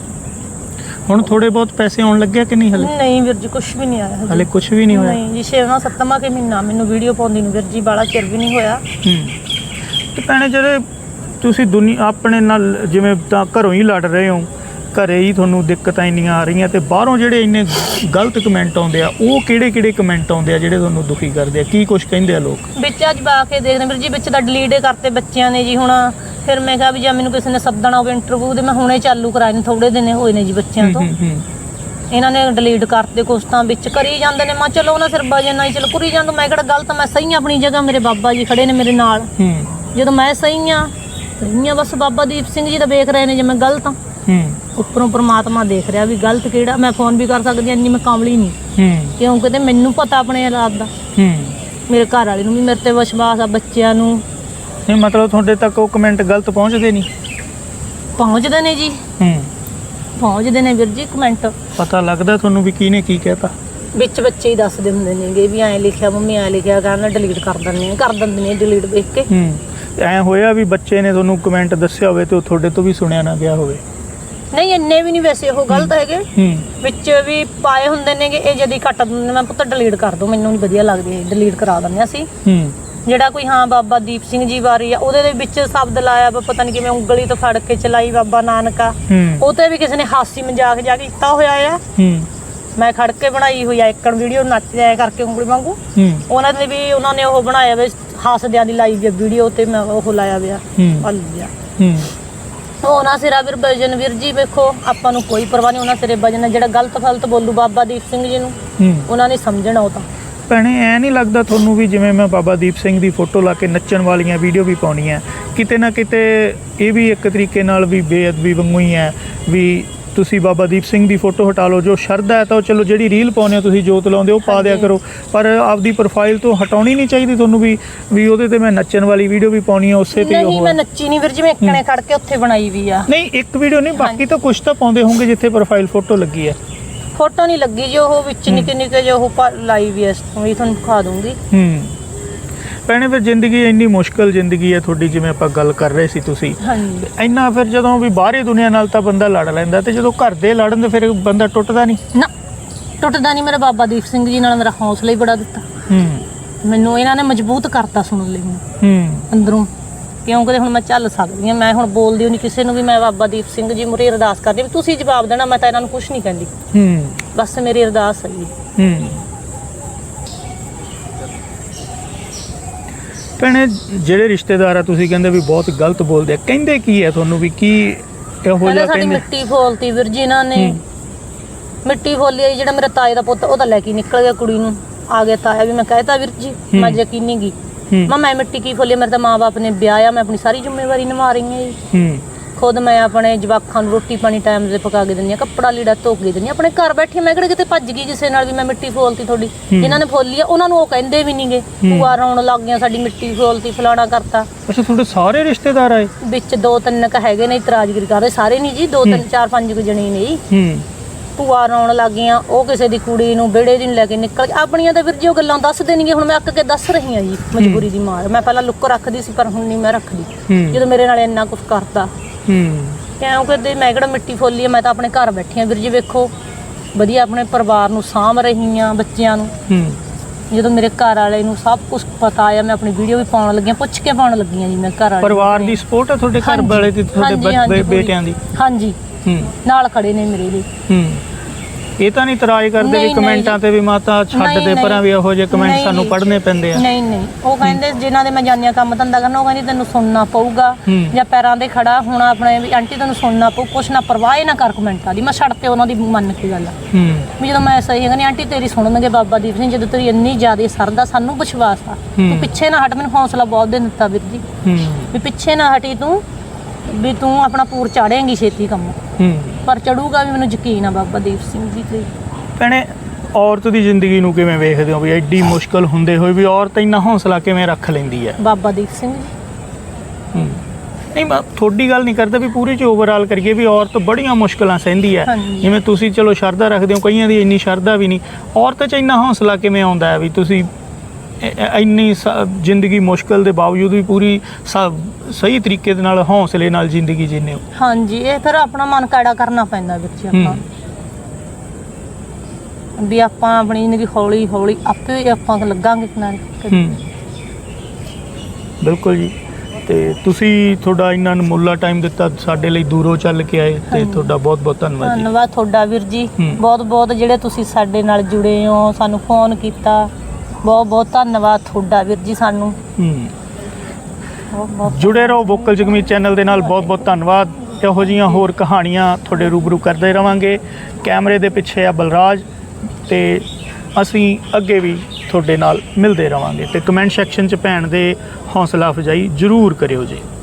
S1: ਹੁਣ ਥੋੜੇ ਬਹੁਤ ਪੈਸੇ ਆਉਣ ਲੱਗੇ ਕਿ ਨਹੀਂ ਹਲੇ?
S2: ਨਹੀਂ ਵੀਰ ਜੀ ਕੁਝ ਵੀ ਨਹੀਂ ਆਇਆ
S1: ਹਲੇ ਕੁਝ ਵੀ ਨਹੀਂ ਹੋਇਆ?
S2: ਨਹੀਂ ਜੀ 6ਵਾਂ-7ਵਾਂ ਕੇ ਮਹੀਨਾ ਮੈਨੂੰ ਵੀਡੀਓ ਪਾਉਂਦੀ ਨੂੰ ਵੀਰ ਜੀ, ਬਾਲਾ ਚਿਰ ਵੀ ਨਹੀਂ ਹੋਇਆ।
S1: ਤੇ ਭੈਣੇ ਜਿਹੜੇ ਤੁਸੀਂ ਦੁਨੀਆ ਆਪਣੇ ਨਾਲ ਜਿਵੇਂ ਤਾਂ ਘਰੋਂ ਹੀ ਲੜ ਰਹੇ ਹੋ, ਘਰੇ ਹੀ ਤੁਹਾਨੂੰ ਦਿੱਕਤਾਂ ਇੰਨੀਆਂ ਆ ਰਹੀਆਂ, ਤੇ ਬਾਹਰੋਂ ਜਿਹੜੇ ਇੰਨੇ ਗਲਤ ਕਮੈਂਟ ਆਉਂਦੇ ਆ, ਉਹ ਕਿਹੜੇ ਕਮੈਂਟ ਆਉਂਦੇ ਆ ਜਿਹੜੇ ਤੁਹਾਨੂੰ ਦੁਖੀ ਕਰਦੇ ਆ? ਕੀ ਕੁਝ ਕਹਿੰਦੇ ਆ ਲੋਕ?
S2: ਵਿੱਚ ਅੱਜ ਬਾ ਕੇ ਦੇਖਦੇ ਵੀਰ ਜੀ, ਵਿੱਚ ਤਾਂ ਡਿਲੀਟ ਕਰਤੇ ਬੱਚਿਆਂ ਨੇ ਜੀ। ਹੁਣ ਫਿਰ ਮੈਂ ਕਿਹਾ ਵੀ ਜੇ ਮੈਨੂੰ ਕਿਸੇ ਨੇ ਸੱਦਣਾ ਹੋਵੇ ਇੰਟਰਵਿਊ ਦੇ, ਮੈਂ ਹੁਣੇ ਚਾਲੂ ਕਰਾਏ ਨੇ, ਥੋੜੇ ਦਿਨ ਹੋਏ ਨੇ ਜੀ ਬੱਚਿਆਂ ਤੋਂ। ਇਹਨਾਂ ਨੇ ਡਿਲੀਟ ਕਰਤੇ ਕੁਛ ਤਾਂ ਵਿੱਚ ਕਰੀ ਜਾਂਦੇ ਨੇ। ਮੈਂ ਚਲੋ ਉਹਨਾਂ ਸਿਰ ਵਜਨ ਨਾਲ ਚਲੋ ਕਰੀ ਜਾਂਦੇ, ਮੈਂ ਕਿਹੜਾ ਗਲਤ, ਮੈਂ ਸਹੀ ਆ ਆਪਣੀ ਜਗ੍ਹਾ, ਮੇਰੇ ਬਾਬਾ ਜੀ ਖੜੇ ਨੇ ਮੇਰੇ ਨਾਲ। ਜਦੋਂ ਮੈਂ ਸਹੀ ਆ ਬਸ ਬਾਬਾ ਦੀਪ ਸਿੰਘ ਜੀ ਤਾਂ ਵੇਖ ਰਹੇ ਨੇ ਜੇ ਮੈਂ ਗਲਤ ਆ। ਉੱਪਰੋਂ ਪ੍ਰਮਾਤਮਾ ਦੇਖ ਰਿਹਾ ਵੀ ਗਲਤ ਕਿਹੜਾ। ਮੈਂ ਫੋਨ ਵੀ ਕਰ ਸਕਦੀ ਇੰਨੀ ਮੈਂ ਕਾਮਲੀ ਨਹੀਂ, ਕਿਉਂਕਿ ਤੇ ਮੈਨੂੰ ਪਤਾ ਆਪਣੇ ਹਾਲਾਤ ਦਾ, ਮੇਰੇ ਘਰ ਵਾਲੇ ਨੂੰ ਵੀ ਮੇਰੇ ਤੇ ਵਿਸ਼ਵਾਸ ਆ, ਬੱਚਿਆਂ ਨੂੰ।
S1: ਨਹੀਂ ਮਤਲਬ ਤੁਹਾਡੇ ਤੱਕ ਉਹ ਕਮੈਂਟ ਗਲਤ ਪਹੁੰਚਦੇ ਨਹੀਂ?
S2: ਪਹੁੰਚਦੇ ਨੇ ਜੀ, ਪਹੁੰਚਦੇ ਨੇ ਵੀਰ ਜੀ ਕਮੈਂਟ।
S1: ਪਤਾ ਲੱਗਦਾ ਤੁਹਾਨੂੰ ਵੀ ਕਿਹਨੇ ਕੀ ਕਹਿਤਾ?
S2: ਵਿੱਚ ਬੱਚੇ ਹੀ ਦੱਸਦੇ ਹੁੰਦੇ ਨੇਗੇ ਵੀ ਐਂ ਲਿਖਿਆ ਮੰਮੀ, ਐਂ ਲਿਖਿਆ, ਕਹਿੰਦਾ ਡਿਲੀਟ ਕਰ ਦਿੰਦੇ ਨੇ ਡਿਲੀਟ ਵੇਖ ਕੇ।
S1: ਐਂ ਹੋਇਆ ਵੀ ਬੱਚੇ ਨੇ ਤੁਹਾਨੂੰ ਕਮੈਂਟ ਦੱਸਿਆ ਹੋਵੇ ਤੇ ਉਹ ਤੁਹਾਡੇ ਤੋਂ ਵੀ ਸੁਣਿਆ ਨਾ ਗਿਆ ਹੋਵੇ?
S2: ਨਹੀਂ ਇੰਨੇ ਵੀ ਨਹੀਂ ਵੈਸੇ ਉਹ ਗਲਤ ਹੈਗੇ, ਵਿੱਚ ਵੀ ਪਾਏ ਹੁੰਦੇ ਨੇਗੇ। ਇਹ ਜਦੀ ਕੱਟ ਦਿੰਦੇ, ਮੈਂ ਪੁੱਤ ਡਿਲੀਟ ਕਰ ਦੋ, ਮੈਨੂੰ ਨਹੀਂ ਵਧੀਆ ਲੱਗਦੀ, ਡਿਲੀਟ ਕਰਾ ਦਿੰਦੇ ਅਸੀਂ। ਜਿਹੜਾ ਕੋਈ ਹਾਂ ਬਾਬਾ ਦੀਪ ਸਿੰਘ ਜੀ ਬਾਰੇ ਆ, ਉਹਦੇ ਦੇ ਵਿੱਚ ਸ਼ਬਦ ਲਾਇਆ ਵਾ ਪਤਾ ਨਹੀਂ ਕਿਵੇਂ, ਉਂਗਲੀ ਤੋਂ ਫੜ ਕੇ ਚਲਾਈ ਬਾਬਾ ਨਾਨਕਾ, ਉਹ ਤੇ ਵੀ ਕਿਸੇ ਨੇ ਹਾਸੀ ਮਜ਼ਾਕ ਜਾ ਕੇ ਕੀਤਾ ਹੋਇਆ ਆ। ਮੈਂ ਖੜ ਕੇ ਬਣਾਈ ਹੋਈ ਆ ਇੱਕਣ ਵੀਡੀਓ, ਨੱਚ ਜਾਇਆ ਕਰਕੇ ਉਂਗਲੀ ਵਾਂਗੂ। ਉਹਨਾਂ ਦੇ ਵੀ ਉਹਨਾਂ ਨੇ ਉਹ ਬਣਾਇਆ ਵੇ ਹਾਸਦਿਆਂ ਦੀ ਲਾਈ ਵੀ ਵੀਡੀਓ, ਤੇ ਮੈਂ ਉਹ ਲਾਇਆ ਵਿਆ ਲਿਆ ਉਹਨਾਂ ਸਿਰਾ ਵੀਰ ਵਜਨ। ਵੀਰ ਜੀ ਵੇਖੋ ਆਪਾਂ ਨੂੰ ਕੋਈ ਪਰਵਾਹ ਨਹੀਂ, ਉਹਨਾਂ ਸਿਰੇ ਵਜਨ। ਜਿਹੜਾ ਗਲਤ ਫਲਤ ਬੋਲੂ ਬਾਬਾ ਦੀਪ ਸਿੰਘ ਜੀ ਨੂੰ, ਉਹਨਾਂ ਨੇ ਸਮਝਣਾ। ਉਹ ਤਾਂ
S1: ਭੈਣੇ ਐ ਨਹੀਂ ਲੱਗਦਾ ਤੁਹਾਨੂੰ ਵੀ ਜਿਵੇਂ ਮੈਂ ਬਾਬਾ ਦੀਪ ਸਿੰਘ ਦੀ ਫੋਟੋ ਲਾ ਕੇ ਨੱਚਣ ਵਾਲੀਆਂ ਵੀਡੀਓ ਵੀ ਪਾਉਣੀਆਂ, ਕਿਤੇ ਨਾ ਕਿਤੇ ਇਹ ਵੀ ਇੱਕ ਤਰੀਕੇ ਨਾਲ ਵੀ ਬੇਅਦਬੀ ਵਾਂਗੂ ਹੀ ਹੈ ਵੀ ਤੁਸੀਂ ਬਾਬਾ ਦੀਪ ਸਿੰਘ ਦੀ ਫੋਟੋ ਹਟਾ ਲਓ। ਜੋ ਸ਼ਰਧਾ ਹੈ ਤਾਂ ਉਹ ਚਲੋ ਜਿਹੜੀ ਰੀਲ ਪਾਉਂਦੇ ਹੋ ਤੁਸੀਂ, ਜੋਤ ਲਾਉਂਦੇ ਉਹ ਪਾ ਦਿਆ ਕਰੋ, ਪਰ ਆਪਦੀ ਪ੍ਰੋਫਾਈਲ ਤੋਂ ਹਟਾਉਣੀ ਨਹੀਂ ਚਾਹੀਦੀ ਤੁਹਾਨੂੰ ਵੀ ਉਹਦੇ ਤੇ ਮੈਂ ਨੱਚਣ ਵਾਲੀ ਵੀਡੀਓ ਵੀ ਪਾਉਣੀ ਹੈ ਉਸੇ ਤੇ?
S2: ਨਹੀਂ ਮੈਂ ਨੱਚੀ ਨਹੀਂ ਵੀਰ ਜੀ, ਮੈਂ ਇੱਕਣੇ ਖੜ ਕੇ ਉੱਥੇ ਬਣਾਈ ਵੀ ਆ।
S1: ਨਹੀਂ ਇੱਕ ਵੀਡੀਓ ਨਹੀਂ, ਬਾਕੀ ਤਾਂ ਕੁਝ ਤਾਂ ਪਾਉਂਦੇ ਹੋਣਗੇ ਜਿੱਥੇ ਪ੍ਰੋਫਾਈਲ ਫੋਟੋ ਲੱਗੀ ਹੈ।
S2: ਫੋਟੋ ਨਹੀਂ ਲੱਗੀ ਜੀ, ਉਹ ਵਿੱਚ ਨਿੱਕੇ ਜੋ ਉਹ ਲਾਈ ਵੀ ਐ, ਤੁਹਾਨੂੰ ਦਿਖਾ ਦੂੰਗੀ।
S1: ਭੈਣੇ ਫਿਰ ਜ਼ਿੰਦਗੀ ਇੰਨੀ ਮੁਸ਼ਕਲ ਜ਼ਿੰਦਗੀ ਹੈ ਤੁਹਾਡੀ, ਜਿਵੇਂ ਆਪਾਂ ਗੱਲ ਕਰ ਰਹੇ ਸੀ ਤੁਸੀਂ, ਇੰਨਾ ਫਿਰ ਜਦੋਂ ਵੀ ਬਾਹਰੀ ਦੁਨੀਆ ਨਾਲ ਤਾਂ ਬੰਦਾ ਲੜ ਲੈਂਦਾ, ਤੇ ਜਦੋਂ ਘਰ ਦੇ ਲੜਨ ਤੇ ਫਿਰ ਬੰਦਾ ਟੁੱਟਦਾ ਨਹੀਂ?
S2: ਨਾ ਟੁੱਟਦਾ ਨਹੀਂ। ਮੇਰੇ ਬਾਬਾ ਦੀਪ ਸਿੰਘ ਜੀ ਨਾਲ ਮੇਰਾ ਹੌਸਲਾ ਹੀ ਬੜਾ ਦਿੱਤਾ, ਮੈਨੂੰ ਇਹਨਾਂ ਨੇ ਮਜ਼ਬੂਤ ਕਰਤਾ ਸੁਣਨ ਲਈ ਮੈਨੂੰ ਅੰਦਰੋਂ, ਕਿਉਂਕਿ ਹੁਣ ਮੈਂ ਚੱਲ ਸਕਦੀ ਹਾਂ। ਮੈਂ ਹੁਣ ਬੋਲਦੀ ਨਹੀਂ ਕਿਸੇ ਨੂੰ ਵੀ, ਮੈਂ ਬਾਬਾ ਦੀਪ ਸਿੰਘ ਜੀ ਮੁਰੇ ਅਰਦਾਸ ਕਰਦੀ ਵੀ ਤੁਸੀਂ ਜਵਾਬ ਦੇਣਾ, ਮੈਂ ਤਾਂ ਇਹਨਾਂ ਨੂੰ ਕੁਝ ਨਹੀਂ ਕਹਿੰਦੀ, ਬਸ ਮੇਰੀ ਅਰਦਾਸ ਹੈ ਜੀ।
S1: ਭੈਣੇ ਜਿਹੜੇ ਰਿਸ਼ਤੇਦਾਰ ਆ ਤੁਸੀਂ ਕਹਿੰਦੇ ਵੀ ਬਹੁਤ ਗਲਤ ਬੋਲਦੇ ਆ, ਕਹਿੰਦੇ ਕੀ ਹੈ ਤੁਹਾਨੂੰ ਵੀ ਕੀ ਇਹੋ ਜਿਹਾ?
S2: ਸਾਡੀ ਮਿੱਟੀ ਫੋਲਤੀ ਵੀਰ ਜੀ ਇਹਨਾਂ ਨੇ, ਮਿੱਟੀ ਫੋਲੀ। ਜਿਹੜਾ ਮੇਰਾ ਤਾਏ ਦਾ ਪੁੱਤ ਉਹ ਤਾਂ ਲੈ ਕੇ ਨਿਕਲ ਗਿਆ ਕੁੜੀ ਨੂੰ, ਆ ਗਿਆ ਤਾਇਆ ਵੀ। ਮੈਂ ਕਹਿਤਾ ਵੀਰ ਜੀ ਮੈਂ ਯਕੀਨ ਨਹੀਂ ਗਈ, ਮੈਂ ਮਿੱਟੀ ਕੀ ਫੋਲੀ? ਮੇਰੇ ਤਾਂ ਮਾਂ ਬਾਪ ਨੇ ਵਿਆਹਿਆ, ਮੈਂ ਆਪਣੀ ਸਾਰੀ ਜ਼ਿੰਮੇਵਾਰੀ ਨਿਭਾ ਰਹੀ ਹਾਂ ਜੀ। ਖੁਦ ਮੈਂ ਆਪਣੇ ਜਵਾਕਾਂ ਨੂੰ ਰੋਟੀ ਪਾਣੀ ਟਾਈਮ ਤੇ ਪਕਾ ਕੇ ਦਿੰਦੀ ਹਾਂ, ਕੱਪੜਾ ਲੀੜਾ ਧੋ ਕੇ ਦਿੰਦੀ ਹਾਂ, ਆਪਣੇ ਘਰ ਬੈਠੀ। ਮੈਂ ਕਿਹੜੇ ਕਿਤੇ ਭੱਜ ਗਈ ਕਿਸੇ ਨਾਲ ਵੀ ਮੈਂ ਮਿੱਟੀ ਫੋਲਤੀ ਤੁਹਾਡੀ? ਜਿਨ੍ਹਾਂ ਨੇ ਫੋਲੀ ਆ ਉਹਨਾਂ ਨੂੰ ਉਹ ਕਹਿੰਦੇ ਵੀ ਨਹੀਂਗੇ, ਭੂਆ ਰੌਣ ਲੱਗ ਗਈਆਂ ਸਾਡੀ ਮਿੱਟੀ ਫੋਲਤੀ, ਫਲਾਣਾ ਕਰਤਾ।
S1: ਅੱਛਾ ਤੁਹਾਡੇ ਸਾਰੇ ਰਿਸ਼ਤੇਦਾਰ ਆਏ? ਵਿੱਚ
S2: 2-3 ਕ ਹੈਗੇ ਨੇ ਇਤਰਾਜ਼ਗਿਰੀ ਕਰਦੇ, ਸਾਰੇ ਨਹੀਂ ਜੀ, 2-3-4-5 ਜਣੇ ਨੇ ਜੀ। ਭੂਆ ਰੌਣ ਲੱਗ ਗਈਆਂ, ਉਹ ਕਿਸੇ ਦੀ ਕੁੜੀ ਨੂੰ ਵਿਹੜੇ ਦੀ ਲੈ ਕੇ ਨਿਕਲ ਆਪਣੀਆਂ ਤਾਂ ਵੀਰ ਜੀ ਉਹ ਗੱਲਾਂ ਦੱਸ ਦੇਣਗੇ। ਹੁਣ ਮੈਂ ਅੱਕ ਕੇ ਦੱਸ ਰਹੀ ਹਾਂ ਜੀ, ਮਜਬੂਰੀ ਦੀ ਮਾਰ। ਮੈਂ ਪਹਿਲਾਂ ਲੁੱਕ ਰੱਖਦੀ ਸੀ ਪਰ ਹੁਣ ਨਹੀਂ ਮੈਂ ਰੱਖਦੀ, ਜਦੋਂ ਮੇਰੇ ਨਾਲ ਇੰਨਾ ਕੁਝ ਕਰਤਾ। ਕਿਉਂਕਿ ਮੈਂ ਕਿਹੜਾ ਮਿੱਟੀ ਫੋਲੀ ਆ, ਮੈਂ ਤਾਂ ਆਪਣੇ ਘਰ ਬੈਠੀ ਹਾਂ ਵੀਰ ਜੀ। ਵੇਖੋ ਵਧੀਆ ਆਪਣੇ ਪਰਿਵਾਰ ਨੂੰ ਸਾਂਭ ਰਹੀ ਹਾਂ, ਬੱਚਿਆਂ ਨੂੰ। ਜਦੋਂ ਮੇਰੇ ਘਰ ਵਾਲੇ ਨੂੰ ਸਭ ਕੁਝ ਪਤਾ ਆ, ਮੈਂ ਆਪਣੀ ਵੀਡੀਓ ਵੀ ਪਾਉਣ ਲੱਗੀ, ਪੁੱਛ ਕੇ ਪਾਉਣ ਲੱਗੀ ਹਾਂ ਜੀ। ਮੈਂ ਘਰ ਵਾਲੇ
S1: ਪਰਿਵਾਰ ਦੀ ਸਪੋਰਟ ਹੈ ਤੁਹਾਡੇ ਘਰ ਵਾਲੇ ਦੀ, ਤੁਹਾਡੇ ਬੇਟਿਆਂ ਦੀ? ਹਾਂਜੀ ਨਾਲ ਖੜੇ ਨੇ ਮੇਰੇ ਲਈ। ਇਹ ਤਾਂ ਨਹੀਂ ਇਤਰਾਜ਼ ਕਰਦੇ ਵੀ ਕਮੈਂਟਾਂ ਤੇ ਵੀ ਮਾਤਾ ਛੱਡ ਦੇ ਪਰਾਂ, ਵੀ ਇਹੋ ਜਿਹੇ ਕਮੈਂਟ ਸਾਨੂੰ ਪੜ੍ਹਨੇ ਪੈਂਦੇ ਆ? ਨਹੀਂ ਉਹ ਕਹਿੰਦੇ ਜਿਨ੍ਹਾਂ ਦੇ ਮੈਂ ਜਾਂਦੀ ਕੰਮ ਧੰਦਾ ਕਰਨਾ, ਉਹ ਕਹਿੰਦੀ ਤੈਨੂੰ ਸੁਣਨਾ ਪਊਗਾ ਜਾਂ ਪੈਰਾਂ ਦੇ ਖੜਾ ਹੋਣਾ ਆਪਣੇ, ਵੀ ਆਂਟੀ ਤੈਨੂੰ ਸੁਣਨਾ ਪਊ, ਕੁਛ ਨਾ ਪਰਵਾਹ ਨਾ ਕਰ ਕਮੈਂਟਾਂ ਦੀ। ਮੈਂ ਛੱਡ ਤੇ ਉਹਨਾਂ ਦੀ ਮੰਨ ਕੇ ਗੱਲ ਵੀ ਜਦੋਂ ਮੈਂ ਸਹੀ ਕਹਿੰਦੀ ਆਂਟੀ ਤੇਰੀ ਸੁਣਨਗੇ ਬਾਬਾ ਦੀਪ ਸਿੰਘ, ਜਦੋਂ ਤੇਰੀ ਇੰਨੀ ਜ਼ਿਆਦਾ ਸਰਦਾ, ਸਾਨੂੰ ਵਿਸ਼ਵਾਸ ਆ, ਤੂੰ ਪਿੱਛੇ ਨਾ ਹਟ। ਮੈਨੂੰ ਹੌਸਲਾ ਬਹੁਤ ਦੇ ਦਿੱਤਾ ਵੀਰ ਜੀ ਵੀ ਪਿੱਛੇ ਨਾ ਹਟੀ ਤੂੰ, ਵੀ ਤੂੰ ਆਪਣਾ ਪੂਰ ਚਾੜੇਂਗੀ ਛੇਤੀ ਕੰਮ, ਪਰ ਚੜੂਗਾ ਵੀ, ਮੈਨੂੰ ਯਕੀਨ ਆ ਬਾਬਾ ਦੀਪ ਸਿੰਘ ਜੀ ਤੇ। ਭੈਣੇ ਔਰਤ ਦੀ ਜ਼ਿੰਦਗੀ ਨੂੰ ਕਿਵੇਂ ਵੇਖਦੇ ਹੋ ਵੀ ਐਡੀ ਮੁਸ਼ਕਲ ਹੁੰਦੇ ਹੋਏ ਵੀ ਔਰਤ ਇੰਨਾ ਹੌਸਲਾ ਕਿਵੇਂ ਰੱਖ ਲੈਂਦੀ ਹੈ?
S2: ਬਾਬਾ ਦੀਪ ਸਿੰਘ ਜੀ
S1: ਨਹੀਂ ਮੈਂ ਤੁਹਾਡੀ ਗੱਲ ਨਹੀਂ ਕਰਦਾ ਵੀ ਪੂਰੀ 'ਚ ਓਵਰਆਲ ਕਰੀਏ ਵੀ ਔਰਤ ਬੜੀਆਂ ਮੁਸ਼ਕਲਾਂ ਸਹਿੰਦੀ ਹੈ।
S2: ਹਾਂਜੀ।
S1: ਜਿਵੇਂ ਤੁਸੀਂ ਚਲੋ ਸ਼ਰਧਾ ਰੱਖਦੇ ਹੋ, ਕਈਆਂ ਦੀ ਇੰਨੀ ਸ਼ਰਧਾ ਵੀ ਨਹੀਂ। ਔਰਤ 'ਚ ਇੰਨਾ ਹੌਸਲਾ ਕਿਵੇਂ ਆਉਂਦਾ ਹੈ ਵੀ ਤੁਸੀਂ ਇੰਨੀ ਜ਼ਿੰਦਗੀ ਮੁਸ਼ਕਲ ਦੇ ਬਾਵਜੂਦ ਵੀ ਪੂਰੀ ਸਹੀ ਤਰੀਕੇ ਦੇ ਨਾਲ ਹੌਸਲੇ ਨਾਲ ਜ਼ਿੰਦਗੀ ਜੀਂਦੇ ਹੋ?
S2: ਹਾਂਜੀ, ਇਹ ਫਿਰ ਆਪਣਾ ਮਨ ਕਾੜਾ ਕਰਨਾ ਪੈਂਦਾ ਵੀਰ ਜੀ। ਆਪਾਂ ਵੀ ਆਪਾਂ ਆਪਣੀ ਜ਼ਿੰਦਗੀ ਹੌਲੀ ਹੌਲੀ ਆਪੇ ਆਪਾਂ ਲੱਗਾਂਗੇ ਕਿਨਾਰੇ।
S1: ਬਿਲਕੁਲ ਜੀ। ਤੇ ਤੁਸੀਂ ਤੁਹਾਡਾ ਇੰਨਾ ਅਨਮੁੱਲਾ ਟਾਈਮ ਦਿੱਤਾ, ਸਾਡੇ ਲਈ ਦੂਰੋਂ ਚੱਲ ਕੇ ਆਏ, ਤੇ ਤੁਹਾਡਾ ਬਹੁਤ ਬਹੁਤ ਧੰਨਵਾਦ ਜੀ।
S2: ਧੰਨਵਾਦ ਤੁਹਾਡਾ ਵੀਰ ਜੀ, ਬਹੁਤ ਬਹੁਤ ਜਿਹੜੇ ਤੁਸੀਂ ਸਾਡੇ ਨਾਲ ਜੁੜੇ ਹੋ, ਸਾਨੂੰ ਫੋਨ ਕੀਤਾ, ਬਹੁਤ ਬਹੁਤ ਧੰਨਵਾਦ ਤੁਹਾਡਾ ਵੀਰ ਜੀ। ਸਾਨੂੰ
S1: ਜੁੜੇ ਰਹੋ ਵੋਕਲ ਜਗਮੀਤ ਚੈਨਲ ਦੇ ਨਾਲ। ਬਹੁਤ ਬਹੁਤ ਧੰਨਵਾਦ। ਇਹੋ ਜਿਹੀਆਂ ਹੋਰ ਕਹਾਣੀਆਂ ਤੁਹਾਡੇ ਰੂਬਰੂ ਕਰਦੇ ਰਵਾਂਗੇ। ਕੈਮਰੇ ਦੇ ਪਿੱਛੇ ਆ ਬਲਰਾਜ, ਤੇ ਅਸੀਂ ਅੱਗੇ ਵੀ ਤੁਹਾਡੇ ਨਾਲ ਮਿਲਦੇ ਰਵਾਂਗੇ। ਤੇ ਕਮੈਂਟ ਸੈਕਸ਼ਨ 'ਚ ਭੈਣ ਦੇ ਹੌਸਲਾ ਅਫਜ਼ਾਈ ਜ਼ਰੂਰ ਕਰਿਓ ਜੀ।